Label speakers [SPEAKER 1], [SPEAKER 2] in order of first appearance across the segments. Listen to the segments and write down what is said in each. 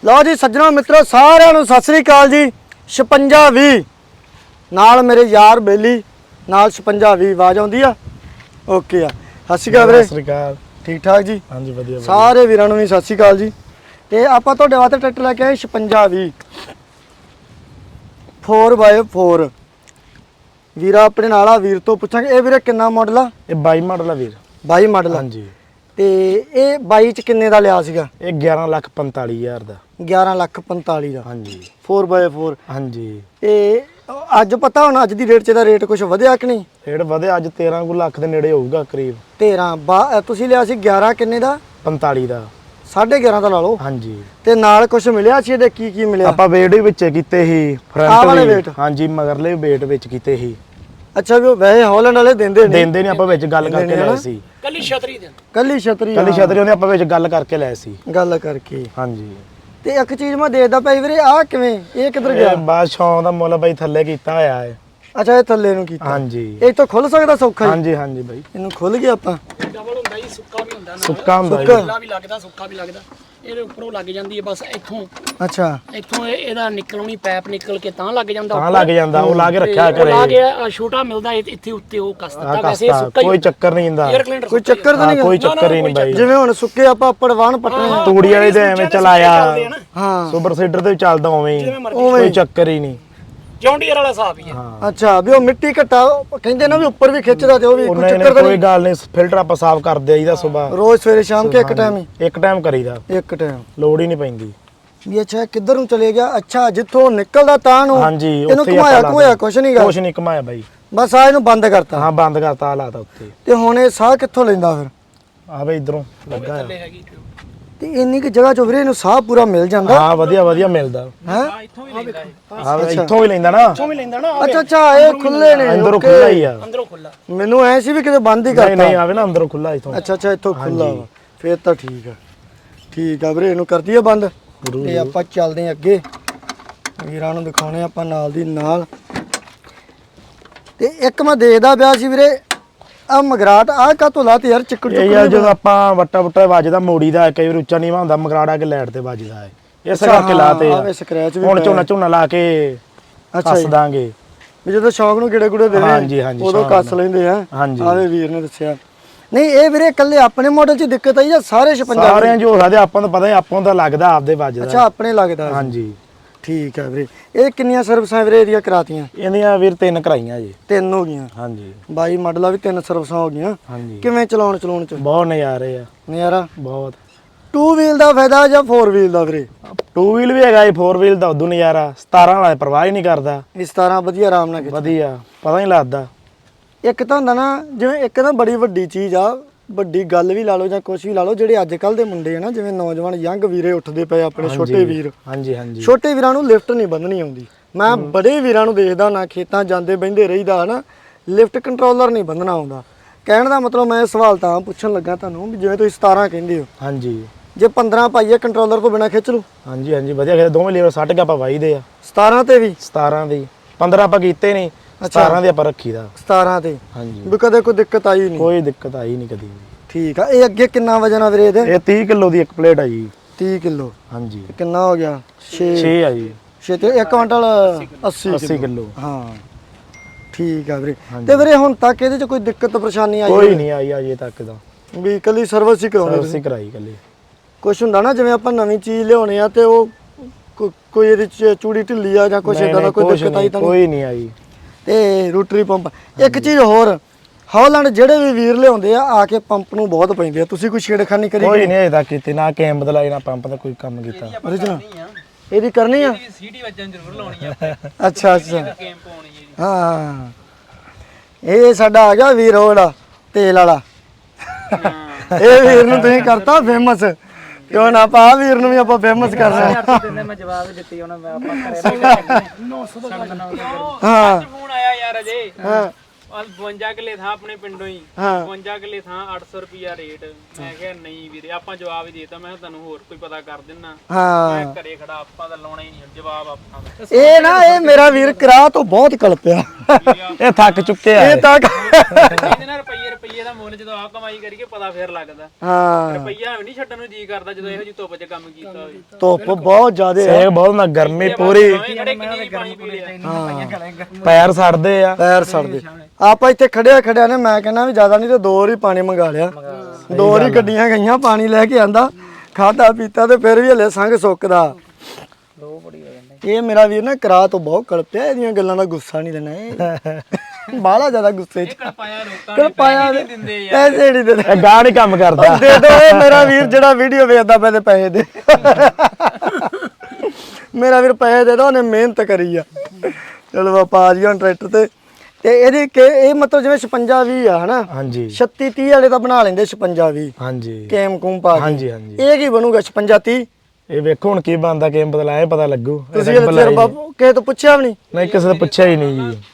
[SPEAKER 1] लो जी सज्जनों मित्रों सारिਆਂ ਨੂੰ सत श्री अकाल जी 5620 ਨਾਲ ਮੇਰੇ ਯਾਰ ਬੇਲੀ ਨਾਲ 5620 ਆਵਾਜ਼ ਆਉਂਦੀ ਆ ਓਕੇ ਆ ਸਤਿ ਸ਼੍ਰੀ ਅਕਾਲ ਵੀਰੇ
[SPEAKER 2] ਸਤਿ ਸ਼੍ਰੀ ਅਕਾਲ
[SPEAKER 1] ਠੀਕ ਠਾਕ ਜੀ
[SPEAKER 2] ਹਾਂਜੀ ਵਧੀਆ
[SPEAKER 1] ਸਾਰੇ ਵੀਰਾਂ ਨੂੰ ਵੀ ਸਤਿ ਸ਼੍ਰੀ ਅਕਾਲ ਜੀ ਤੇ ਆਪਾਂ ਤੁਹਾਡੇ ਵਾਸਤੇ ਟਰੈਕਟਰ ਲੈ ਕੇ ਆਏ 5620 4x4 ਵੀਰਾ ਆਪਣੇ ਨਾਲ ਆ ਵੀਰ ਤੋਂ ਪੁੱਛਾਂਗੇ ਇਹ ਵੀਰੇ ਕਿੰਨਾ ਮਾਡਲ ਆ
[SPEAKER 2] ਇਹ 22 ਮਾਡਲ ਆ ਵੀਰ
[SPEAKER 1] 22 ਮਾਡਲ
[SPEAKER 2] ਹਾਂਜੀ
[SPEAKER 1] ਤੇ ਇਹ 22 ਚ ਕਿੰਨੇ ਦਾ ਲਿਆ ਸੀਗਾ
[SPEAKER 2] ਇਹ 11,45,000 ਦਾ
[SPEAKER 1] 11,45,000 ਦਾ
[SPEAKER 2] ਹਾਂਜੀ
[SPEAKER 1] 4x4
[SPEAKER 2] ਹਾਂਜੀ
[SPEAKER 1] ਤੇ ਅੱਜ ਪਤਾ ਹੁਣ ਅੱਜ ਦੀ ਰੇਟ 'ਚ ਦਾ ਰੇਟ ਕੁਝ ਵਧਿਆ ਕਿ ਨਹੀਂ
[SPEAKER 2] ਰੇਟ ਵਧਿਆ ਅੱਜ 13 ਕੁ ਲੱਖ ਦੇ ਨੇੜੇ ਹੋਊਗਾ ਕਰੀਬ
[SPEAKER 1] 13 ਤੁਸੀਂ ਲਿਆ ਸੀ 11 ਕਿੰਨੇ ਦਾ
[SPEAKER 2] 45 ਦਾ
[SPEAKER 1] 11.5 ਦਾ ਲਾ ਲਓ
[SPEAKER 2] ਹਾਂਜੀ
[SPEAKER 1] ਤੇ ਨਾਲ ਕੁਝ ਮਿਲਿਆ ਸੀ ਇਹਦੇ ਕੀ ਮਿਲਿਆ
[SPEAKER 2] ਆਪਾਂ ਵੇਟ ਵੀ ਵਿੱਚੇ ਕੀਤੇ ਸੀ
[SPEAKER 1] ਆਹ ਵਾਲੇ
[SPEAKER 2] ਫਰੰਟ
[SPEAKER 1] weight?
[SPEAKER 2] ਹਾਂਜੀ ਮਗਰਲੇ ਵੇਟ ਵਿੱਚ ਕੀਤੇ ਸੀ
[SPEAKER 1] ਅੱਛਾ ਵੀ ਉਹ ਵੈਸੇ ਹਾਲੈਂਡ ਵਾਲੇ ਦਿੰਦੇ
[SPEAKER 2] ਨਹੀਂ ਆਪਾਂ ਵਿੱਚ ਗੱਲ ਕਰਕੇ ਲਏ ਸੀ
[SPEAKER 1] ਕੱਲੀ ਛਤਰੀ
[SPEAKER 2] ਕੱਲੀ ਛਤਰੀ ਉਹਨੇ ਆਪਾਂ ਵਿੱਚ ਗੱਲ ਕਰਕੇ ਲਏ ਸੀ
[SPEAKER 1] ਗੱਲ ਕਰਕੇ
[SPEAKER 2] ਹਾਂਜੀ
[SPEAKER 1] ਤੇ ਇੱਕ ਚੀਜ਼ ਮੈਂ ਦੇਖਦਾ ਪਈ ਵੀਰੇ ਆਹ ਕਿਵੇਂ ਇਹ ਕਿੱਧਰ ਗਿਆ
[SPEAKER 2] ਇਹ ਬਾਦਸ਼ਾਹ ਦਾ ਮੁੱਲ ਬਾਈ ਥੱਲੇ ਕੀਤਾ ਹੋਇਆ ਹੈ
[SPEAKER 1] ਅੱਛਾ ਇਹ ਥੱਲੇ ਨੂੰ ਕੀਤਾ
[SPEAKER 2] ਹਾਂਜੀ
[SPEAKER 1] ਇਹ ਤਾਂ ਖੁੱਲ ਸਕਦਾ ਸੌਖਾ ਹੀ
[SPEAKER 2] ਹਾਂਜੀ ਹਾਂਜੀ ਬਾਈ
[SPEAKER 1] ਇਹਨੂੰ ਖੁੱਲ ਗਿਆ ਆਪਾਂ
[SPEAKER 3] ਡਬਲ ਹੁੰਦਾ ਜੀ ਸੁੱਕਾ ਵੀ ਹੁੰਦਾ
[SPEAKER 2] ਸੁੱਕਾ ਹੁੰਦਾ ਜੀ।
[SPEAKER 3] ਖੁੱਲਾ ਵੀ ਲੱਗਦਾ ਸੁੱਕਾ ਵੀ ਲੱਗਦਾ ਇਹਦੇ ਉੱਪਰੋਂ ਲੱਗ ਜਾਂਦੀ ਹੈ ਬਸ ਇੱਥੋਂ
[SPEAKER 1] ਅੱਛਾ
[SPEAKER 3] ਇਹਦਾ ਨਿਕਲਣੀ ਪੈਪ ਨਿਕਲ ਕੇ ਤਾਂ ਲੱਗ ਜਾਂਦਾ
[SPEAKER 2] ਤਾਂ ਲੱਗ ਜਾਂਦਾ ਉਹ ਲਾ ਕੇ ਰੱਖਿਆ
[SPEAKER 3] ਤੇ ਉਹ
[SPEAKER 2] ਕਰੇ
[SPEAKER 3] ਲਾ ਕੇ ਛੋਟਾ ਮਿਲਦਾ ਇੱਥੇ ਉੱਤੇ ਉਹ ਕੱਸ ਦਿੱਤਾ ਵੈਸੇ ਇਹ ਸੁੱਕਾ ਹੀ
[SPEAKER 2] ਕੋਈ ਚੱਕਰ ਨਹੀਂ ਹੁੰਦਾ
[SPEAKER 3] 에ਅਰ ਕਲੈਂਡਰ
[SPEAKER 1] ਕੋਈ ਚੱਕਰ ਤਾਂ ਨਹੀਂ
[SPEAKER 2] ਕੋਈ ਚੱਕਰ ਹੀ ਨਹੀਂ ਬਾਈ
[SPEAKER 1] ਜਿਵੇਂ ਹੁਣ ਸੁੱਕੇ ਆਪਾਂ ਪੜਵਾਨ ਪੱਟਣੇ
[SPEAKER 2] ਤੂੜੀ ਵਾਲੇ ਦੇ ਐਵੇਂ ਚਲਾਇਆ
[SPEAKER 1] ਹਾਂ
[SPEAKER 2] ਸੁਪਰ ਸੀਡਰ ਤੇ ਵੀ ਚੱਲਦਾ ਉਵੇਂ ਹੀ ਕੋਈ ਚੱਕਰ ਹੀ ਨਹੀਂ
[SPEAKER 3] ਜੌਂਡੀਅਰ ਵਾਲਾ ਹਿਸਾਬ ਹੀ ਆ
[SPEAKER 1] ਅੱਛਾ ਵੀ ਉਹ ਮਿੱਟੀ ਘਟਾ ਕਹਿੰਦੇ ਨਾ ਵੀ ਉੱਪਰ ਵੀ ਖਿੱਚਦਾ ਤੇ ਉਹ ਵੀ ਕੋਈ
[SPEAKER 2] ਉਹਨੇ
[SPEAKER 1] ਚੱਕਰ ਤਾਂ
[SPEAKER 2] ਕੋਈ
[SPEAKER 1] ਨਹੀਂ
[SPEAKER 2] ਗੱਲ ਨਹੀਂ ਫਿਲਟਰ ਆਪਾਂ ਸਾਫ਼ ਕਰਦੇ ਆਈਦਾ ਸਵੇਰ
[SPEAKER 1] ਰੋਜ਼ ਸਵੇਰੇ ਸ਼ਾਮ ਕੇ ਇੱਕ ਟਾਈਮ ਹੀ
[SPEAKER 2] ਇੱਕ ਟਾਈਮ ਕਰੀਦਾ
[SPEAKER 1] ਇੱਕ ਟਾਈਮ
[SPEAKER 2] ਲੋੜ ਹੀ ਨਹੀਂ ਪੈਂਦੀ
[SPEAKER 1] ਵੀ ਅੱਛਾ ਕਿੱਧਰ ਨੂੰ ਚਲੇ ਗਿਆ ਅੱਛਾ ਜਿੱਥੋਂ ਨਿਕਲਦਾ ਤਾਂ ਨੂੰ
[SPEAKER 2] ਹਾਂਜੀ
[SPEAKER 1] ਇਹਨੂੰ ਘੁਮਾਇਆ ਕੁਛ ਨਹੀਂ ਗਾ
[SPEAKER 2] ਕੁਛ ਨਹੀਂ ਘੁਮਾਇਆ ਬਾਈ
[SPEAKER 1] ਬਸ ਆ ਇਹਨੂੰ ਬੰਦ ਕਰਤਾ
[SPEAKER 2] ਹਾਂ ਬੰਦ ਕਰਤਾ ਆ ਲਾਤਾ ਉੱਤੇ
[SPEAKER 1] ਤੇ ਹੁਣ ਇਹ ਸਾਹ ਕਿੱਥੋਂ ਲੈਂਦਾ ਫਿਰ
[SPEAKER 2] ਆ ਬਈ ਇਧਰੋਂ ਲੱਗਾ ਆ।
[SPEAKER 1] ਤੇ ਇੰਨੀ ਕਿ ਜਗ੍ਹਾ ਚੋਂ ਵੀਰੇ ਇਹਨੂੰ ਸਾਹ ਪੂਰਾ ਮਿਲ ਜਾਂਦਾ
[SPEAKER 2] ਹਾਂ ਵਧੀਆ ਮਿਲਦਾ
[SPEAKER 1] ਹੈ
[SPEAKER 3] ਇੱਥੋਂ ਵੀ ਲੈਂਦਾ
[SPEAKER 2] ਹਾਂ ਇੱਥੋਂ ਵੀ ਲੈਂਦਾ ਨਾ
[SPEAKER 3] ਇੱਥੋਂ ਵੀ ਲੈਂਦਾ ਨਾ
[SPEAKER 1] ਅੱਛਾ ਇਹ ਖੁੱਲੇ ਨੇ
[SPEAKER 2] ਅੰਦਰੋਂ
[SPEAKER 1] okay।
[SPEAKER 2] ਖੁੱਲਾ ਹੀ ਆ
[SPEAKER 3] ਅੰਦਰੋਂ ਖੁੱਲਾ
[SPEAKER 1] ਮੈਨੂੰ ਐ ਸੀ ਵੀ ਕਿਤੇ ਬੰਦ ਹੀ
[SPEAKER 2] ਨਹੀਂ
[SPEAKER 1] ਕਰਤਾ
[SPEAKER 2] ਨਹੀਂ ਆਵੇ ਨਾ ਅੰਦਰੋਂ ਖੁੱਲਾ ਇਥੋਂ
[SPEAKER 1] ਅੱਛਾ ਇੱਥੋਂ ਖੁੱਲਾ ਵਾ ਫੇਰ ਤਾਂ ਠੀਕ ਆ ਵੀਰੇ ਇਹਨੂੰ ਕਰਦੀ ਆ ਬੰਦ ਤੇ ਆਪਾਂ ਚੱਲਦੇ ਆ ਅੱਗੇ ਵੀਰਾਂ ਨੂੰ ਦਿਖਾਉਣੇ ਆਪਾਂ ਨਾਲ ਦੀ ਨਾਲ ਤੇ ਇੱਕ ਮੈਂ ਦੇਖਦਾ ਪਿਆ ਸੀ ਵੀਰੇ ਆ ਮਗਰਾਟ ਆ ਕਾਤੋਂ ਲਾਤੇ ਯਾਰ ਚਿੱਕੜ
[SPEAKER 2] ਇਹ ਯਾਰ ਜਦੋਂ ਆਪਾਂ ਵੱਟਾ ਵੱਜਦਾ ਮੋੜੀ ਦਾ ਕਈ ਵਾਰ ਉੱਚਾ ਨੀਵਾ ਹੁੰਦਾ ਮਗਰਾੜਾ ਕੇ ਲਾਈਟ ਤੇ ਵੱਜਦਾ ਹੈ ਇਸ ਕਰਕੇ ਲਾਤੇ ਆ
[SPEAKER 1] ਆਵੇ ਸਕ੍ਰੈਚ ਵੀ
[SPEAKER 2] ਹੁਣ ਝੋਨਾ ਲਾ ਕੇ ਕੱਸ ਦਾਂਗੇ
[SPEAKER 1] ਵੀ ਜਦੋਂ ਸ਼ੌਕ ਨੂੰ ਕਿਹੜੇ ਕੁੜੇ ਦੇਵੇ
[SPEAKER 2] ਹਾਂਜੀ,
[SPEAKER 1] ਉਦੋਂ ਕੱਸ ਲੈਂਦੇ ਆ
[SPEAKER 2] ਹਾਂਜੀ।
[SPEAKER 1] ਆਵੇ ਵੀਰ ਨੇ ਦੱਸਿਆ ਨਹੀਂ ਇਹ ਵੀਰੇ ਇਕੱਲੇ ਆਪਣੇ ਮਾਡਲ 'ਚ ਦਿੱਕਤ ਆਈ ਜਾਂ ਸਾਰੇ 56
[SPEAKER 2] ਸਾਰਿਆਂ ਜੋ ਸਕਦੇ ਆਪਾਂ ਨੂੰ ਪਤਾ ਹੀ ਆਪਾਂ ਨੂੰ ਤਾਂ ਲੱਗਦਾ ਆਪਦੇ ਵੱਜਦਾ
[SPEAKER 1] ਅੱਛਾ ਆਪਣੇ ਲੱਗਦਾ
[SPEAKER 2] ਹਾਂਜੀ
[SPEAKER 1] ਠੀਕ ਹੈ ਵੀਰੇ ਇਹ ਕਿੰਨੀਆਂ ਸਰਵਿਸਾਂ ਵੀਰੇ ਇਹਦੀਆਂ ਕਰਾਤੀਆਂ
[SPEAKER 2] ਇਹਦੀਆਂ ਵੀਰ 3 ਕਰਾਈਆਂ ਜੀ
[SPEAKER 1] 3 ਹੋ ਗਈਆਂ
[SPEAKER 2] ਹਾਂਜੀ
[SPEAKER 1] 22 ਮਾਡਲਾਂ ਵੀ 3 ਸਰਵਿਸਾਂ ਹੋ ਗਈਆਂ
[SPEAKER 2] ਹਾਂਜੀ
[SPEAKER 1] ਕਿਵੇਂ ਚਲਾਉਣ ਚ
[SPEAKER 2] ਬਹੁਤ ਨਜ਼ਾਰੇ ਆ
[SPEAKER 1] ਨਜ਼ਾਰਾ
[SPEAKER 2] ਬਹੁਤ
[SPEAKER 1] 2 ਵੀਲ ਦਾ ਫਾਇਦਾ ਜਾਂ 4 ਵੀਲ ਦਾ ਵੀਰੇ
[SPEAKER 2] 2 ਵੀਲ ਵੀ ਹੈਗਾ ਜੀ 4 ਵੀਲ ਦਾ ਉਦੋਂ ਨਜ਼ਾਰਾ 17 ਵਾਲਾ ਪਰਵਾਹ ਹੀ ਨਹੀਂ ਕਰਦਾ
[SPEAKER 1] ਇਸ ਤਰ੍ਹਾਂ ਵਧੀਆ ਆਰਾਮ ਨਾਲ ਖਿੱਚ
[SPEAKER 2] ਵਧੀਆ ਪਤਾ ਹੀ ਲੱਗਦਾ
[SPEAKER 1] ਇੱਕ ਤਾਂ ਹੁੰਦਾ ਨਾ ਜਿਵੇਂ ਇੱਕ ਨਾ ਬੜੀ ਵੱਡੀ ਚੀਜ਼ ਆ ਵੱਡੀ ਗੱਲ ਵੀ ਲਾ ਲਓ ਜਾਂ ਕੁਝ ਵੀ ਲਾ ਲਓ ਜਿਹੜੇ ਅੱਜ ਕੱਲ ਦੇ ਮੁੰਡੇ ਆ ਨਾ ਜਿਵੇਂ ਨੌਜਵਾਨ ਯੰਗ ਵੀਰੇ ਉੱਠਦੇ ਪਏ ਆਪਣੇ ਛੋਟੇ ਵੀਰ
[SPEAKER 2] ਹਾਂਜੀ
[SPEAKER 1] ਛੋਟੇ ਵੀਰਾਂ ਨੂੰ ਲਿਫਟ ਨਹੀਂ ਬੰਨਣੀ ਆਉਂਦੀ ਮੈਂ ਬੜੇ ਵੀਰਾਂ ਨੂੰ ਦੇਖਦਾ ਨਾ ਖੇਤਾਂ ਜਾਂਦੇ ਬਹਿੰਦੇ ਰਹੀਦਾ ਹਨਾ ਲਿਫਟ ਕੰਟਰੋਲਰ ਨਹੀਂ ਬੰਨਣਾ ਆਉਂਦਾ ਕਹਿਣ ਦਾ ਮਤਲਬ ਮੈਂ ਇਹ ਸਵਾਲ ਤਾਂ ਪੁੱਛਣ ਲੱਗਾ ਤੁਹਾਨੂੰ ਵੀ ਜਿਵੇਂ ਤੁਸੀਂ 17 ਕਹਿੰਦੇ ਹੋ
[SPEAKER 2] ਹਾਂਜੀ
[SPEAKER 1] ਜੇ 15 ਪਾਈਏ ਕੰਟਰੋਲਰ ਤੋਂ ਬਿਨਾ ਖਿੱਚ ਲੂ
[SPEAKER 2] ਹਾਂਜੀ ਵਧੀਆ ਖੇਡ ਦੋਵੇਂ ਲੀਵਰ ਸੱਟ ਕੇ ਆਪਾਂ ਵਾਈਦੇ ਆ
[SPEAKER 1] 17 ਤੇ ਵੀ
[SPEAKER 2] 17 ਦੀ 15 ਆਪਾਂ ਕੀਤੇ ਨਹੀਂ 17 ਦੇ ਆਪਾਂ ਰੱਖੀਦਾ
[SPEAKER 1] 17 ਤੇ
[SPEAKER 2] ਹਾਂਜੀ
[SPEAKER 1] ਵੀ ਕਦੇ ਕੋਈ ਦਿੱਕਤ ਆਈ ਨਹੀਂ
[SPEAKER 2] ਕੋਈ ਦਿੱਕਤ ਆਈ ਨਹੀਂ ਕਦੀ
[SPEAKER 1] ਠੀਕ ਆ ਇਹ ਅੱਗੇ ਕਿੰਨਾ ਵਜਨ ਆ ਵੀਰੇ ਇਹਦੇ
[SPEAKER 2] ਇਹ 30 ਕਿਲੋ ਦੀ ਇੱਕ ਪਲੇਟ ਆ ਜੀ
[SPEAKER 1] 30 ਕਿਲੋ
[SPEAKER 2] ਹਾਂਜੀ
[SPEAKER 1] ਕਿੰਨਾ ਹੋ ਗਿਆ 6
[SPEAKER 2] 6 ਆ ਜੀ
[SPEAKER 1] 6 ਤੇ 1 ਕੁਇੰਟਲ 80
[SPEAKER 2] ਕਿਲੋ
[SPEAKER 1] ਹਾਂ ਠੀਕ ਆ ਵੀਰੇ ਤੇ ਵੀਰੇ ਹੁਣ ਤੱਕ ਇਹਦੇ ਚ ਕੋਈ ਦਿੱਕਤ ਪਰੇਸ਼ਾਨੀ ਆਈ
[SPEAKER 2] ਕੋਈ ਨਹੀਂ ਆਈ ਅਜੇ ਤੱਕ ਦਾ
[SPEAKER 1] ਵੀ ਕੱਲੀ ਸਰਵਿਸ ਹੀ ਕਰਾਉਂਦੇ
[SPEAKER 2] ਸਰਵਿਸ ਹੀ ਕਰਾਈ ਕੱਲੀ
[SPEAKER 1] ਕੁਛ ਹੁੰਦਾ ਨਾ ਜਿਵੇਂ ਆਪਾਂ ਨਵੀਂ ਚੀਜ਼ ਲਿਆਉਣੇ ਆ ਤੇ ਉਹ ਕੋਈ ਇਹਦੇ ਚ ਚੂੜੀ ਢਿੱਲੀ ਆ ਜਾਂ ਕੁਛ ਇਦਾਂ ਦਾ ਕੋਈ ਦਿੱਕਤ ਆਈ ਤਾਂ
[SPEAKER 2] ਕੋਈ ਨਹੀਂ ਆਈ
[SPEAKER 1] ਤੇ ਰੋਟਰੀ ਪੰਪ ਇੱਕ ਚੀਜ਼ ਹੋਰ ਹਾਲੈਂਡ ਜਿਹੜੇ ਵੀ ਵੀਰ ਲਿਆਉਂਦੇ ਆ ਕੇ ਪੰਪ ਨੂੰ ਬਹੁਤ ਪੈਂਦੇ ਆ ਤੁਸੀਂ ਕੋਈ ਛੇੜਖਾਨੀ ਕਰੀ
[SPEAKER 2] ਕੋਈ ਨਹੀਂ ਅਜੇ ਤੱਕ ਕੀਤੀ ਨਾ ਕੈਮ ਬਦਲਾਈ ਨਾ ਪੰਪ ਦਾ ਕੋਈ ਕੰਮ ਕੀਤਾ
[SPEAKER 1] original ਇਹਦੀ ਕਰਨੀ ਆ
[SPEAKER 3] ਸੀਟੀ ਵੱਜਣ ਜ਼ਰੂਰ ਲਾਉਣੀ ਆ
[SPEAKER 1] ਅੱਛਾ
[SPEAKER 3] ਗੇਮ ਪਾਉਣੀ ਜੀ
[SPEAKER 1] ਹਾਂ ਇਹ ਸਾਡਾ ਆ ਗਿਆ ਵੀਰ ਉਹੜਾ ਤੇਲ ਵਾਲਾ ਇਹ ਵੀਰ ਨੂੰ ਤੁਸੀਂ ਕਰਤਾ ਫੇਮਸ ਕਿਉਂ ਨਾ ਆਪਾਂ ਆ ਵੀਰ ਨੂੰ ਵੀ ਆਪਾਂ ਫੇਮਸ ਕਰਨਾ
[SPEAKER 3] ਦਿੰਦੇ ਮੈਂ ਜਵਾਬ ਦਿੱਤੀ ਉਹਨਾਂ ਮੈਂ ਆਪਾਂ ਕਰੇ 900 ਦਾ
[SPEAKER 1] ਹਾਂ
[SPEAKER 3] ਫੋਨ ਆਇਆ ਯਾਰ ਅਜੇ
[SPEAKER 1] ਹਾਂ
[SPEAKER 4] 52 ਕਿੱਲੇ ਥਾਂ ਆਪਣੇ ਪਿੰਡੋਂ ਹੀ
[SPEAKER 1] ਹਾਂ
[SPEAKER 4] 52 ਕਿੱਲੇ ਥਾਂ 800 ਰੁਪਿਆ ਰੇਟ। ਮੈਂ ਕਿਹਾ ਨਹੀਂ ਵੀਰੇ ਆਪਾਂ ਜਵਾਬ ਹੀ ਦੇਤਾ, ਮੈਂ ਕਿਹਾ ਤੁਹਾਨੂੰ ਹੋਰ ਕੋਈ ਪਤਾ ਕਰ ਦਿੰਨਾ।
[SPEAKER 1] ਹਾਂ
[SPEAKER 4] ਮੈਂ ਘਰੇ ਖੜਾ ਆਪਾਂ ਤਾਂ ਲਾਉਣਾ ਹੀ ਨਹੀਂ ਜਵਾਬ ਆਪਾਂ ਦਾ।
[SPEAKER 1] ਇਹ ਨਾ ਇਹ ਮੇਰਾ ਵੀਰ ਕਰਾ ਤੋਂ ਬਹੁਤ ਕਲਪਿਆ
[SPEAKER 2] ਇਹ ਥੱਕ ਚੁੱਕੇ ਆ
[SPEAKER 1] ਇਹ ਤਾਂ
[SPEAKER 4] ਇਹਦੇ ਨਾਲ ਰੁਪਈਏ ਦਾ ਮੁੱਲ ਜਦੋਂ ਆ ਕਮਾਈ ਕਰੀਏ ਪਤਾ ਫੇਰ ਲੱਗਦਾ।
[SPEAKER 1] ਹਾਂ
[SPEAKER 4] ਰੁਪਈਆ ਵੀ ਨਹੀਂ ਛੱਡਣ ਨੂੰ ਜੀ ਕਰਦਾ ਜਦੋਂ ਇਹੋ ਜਿਹੀ ਧੁੱਪ 'ਚ ਕੰਮ ਕੀਤਾ ਹੋਵੇ।
[SPEAKER 1] ਧੁੱਪ ਬਹੁਤ ਜ਼ਿਆਦੇ ਆ
[SPEAKER 2] ਸੇਕ ਬਹੁਤ ਨਾ, ਗਰਮੀ ਪੂਰੀ,
[SPEAKER 4] ਭਾਵੇਂ ਖੜੇ ਕਿੰਨੀ ਪਾਣੀ ਪੀ ਲਿਆ।
[SPEAKER 2] ਪੈਰ ਸੜਦੇ ਆ।
[SPEAKER 1] ਪੈਰ ਸੜਦੇ। ਆਪਾਂ ਇੱਥੇ ਖੜਿਆ ਨੇ ਮੈਂ ਕਹਿੰਦਾ ਵੀ ਜ਼ਿਆਦਾ ਨਹੀਂ ਤੇ 2 ਵਾਰੀ ਪਾਣੀ ਮੰਗਾ ਲਿਆ, 2 ਵਾਰੀ ਗੱਡੀਆਂ ਗਈਆਂ ਪਾਣੀ ਲੈ ਕੇ ਆਂਦਾ, ਖਾਦਾ ਪੀਤਾ ਤੇ ਫਿਰ ਵੀ ਹਲੇ ਸੰਗ ਸੁੱਕਦਾ। ਇਹ ਮੇਰਾ ਵੀਰ ਨਾ ਕਰਾ ਤੋਂ ਬਹੁਤ ਕਲਪਿਆ, ਇਹਦੀਆਂ ਗੱਲਾਂ ਦਾ ਗੁੱਸਾ ਨਹੀਂ ਦੇਣਾ ਇਹ ਬਾਹਲਾ ਜ਼ਿਆਦਾ ਗੁੱਸੇ ਚ
[SPEAKER 4] ਪਾਇਆ ਲੋਕਾਂ
[SPEAKER 1] ਕਲਪਾਇਆ
[SPEAKER 4] ਨਹੀਂ ਦਿੰਦੇ
[SPEAKER 1] ਪੈਸੇ ਨਹੀਂ ਦਿੰਦੇ।
[SPEAKER 2] ਇਹ ਗਾਹ ਨਹੀਂ ਕੰਮ ਕਰਦਾ।
[SPEAKER 1] ਦੇ ਦੋ ਇਹ ਮੇਰਾ ਵੀਰ ਜਿਹੜਾ ਵੀਡੀਓ ਵੇਖਦਾ ਪਏ ਤੇ ਪੈਸੇ ਦੇ। ਮੇਰਾ ਵੀਰ ਪੈਸੇ ਦੇ ਦੋ, ਉਹਨੇ ਮਿਹਨਤ ਕਰੀ ਆ। ਚਲੋ ਆਪਾਂ ਆ ਜੀ ਹੁਣ ਟਰੈਕਟਰ ਤੇ ਇਹਦੀ ਇਹ ਮਤਲਬ ਜਿਵੇਂ 56 20 ਆ ਹਨਾ,
[SPEAKER 2] ਹਾਂਜੀ
[SPEAKER 1] 36 30 ਵਾਲੇ ਤਾਂ ਬਣਾ ਲੈਂਦੇ 56 20
[SPEAKER 2] ਹਾਂਜੀ
[SPEAKER 1] ਕੇਮ ਕੂਮ ਪਾ ਕੇ।
[SPEAKER 2] ਹਾਂਜੀ ਹਾਂਜੀ
[SPEAKER 1] ਇਹ ਕੀ ਬਣੂਗਾ 56 30?
[SPEAKER 2] ਇਹ ਵੇਖੋ ਹੁਣ ਕੀ ਬਣਦਾ, ਕਿਵੇਂ ਬਦਲਾਏ ਪਤਾ ਲੱਗੂ।
[SPEAKER 1] ਤੁਸੀਂ ਇਹ ਫਿਰ ਬਾਬੂ ਕਿਸੇ ਤੋਂ ਪੁੱਛਿਆ ਵੀ ਨਹੀਂ?
[SPEAKER 2] ਨਹੀਂ ਕਿਸੇ ਤੋਂ ਪੁੱਛਿਆ ਹੀ ਨਹੀਂ ਜੀ।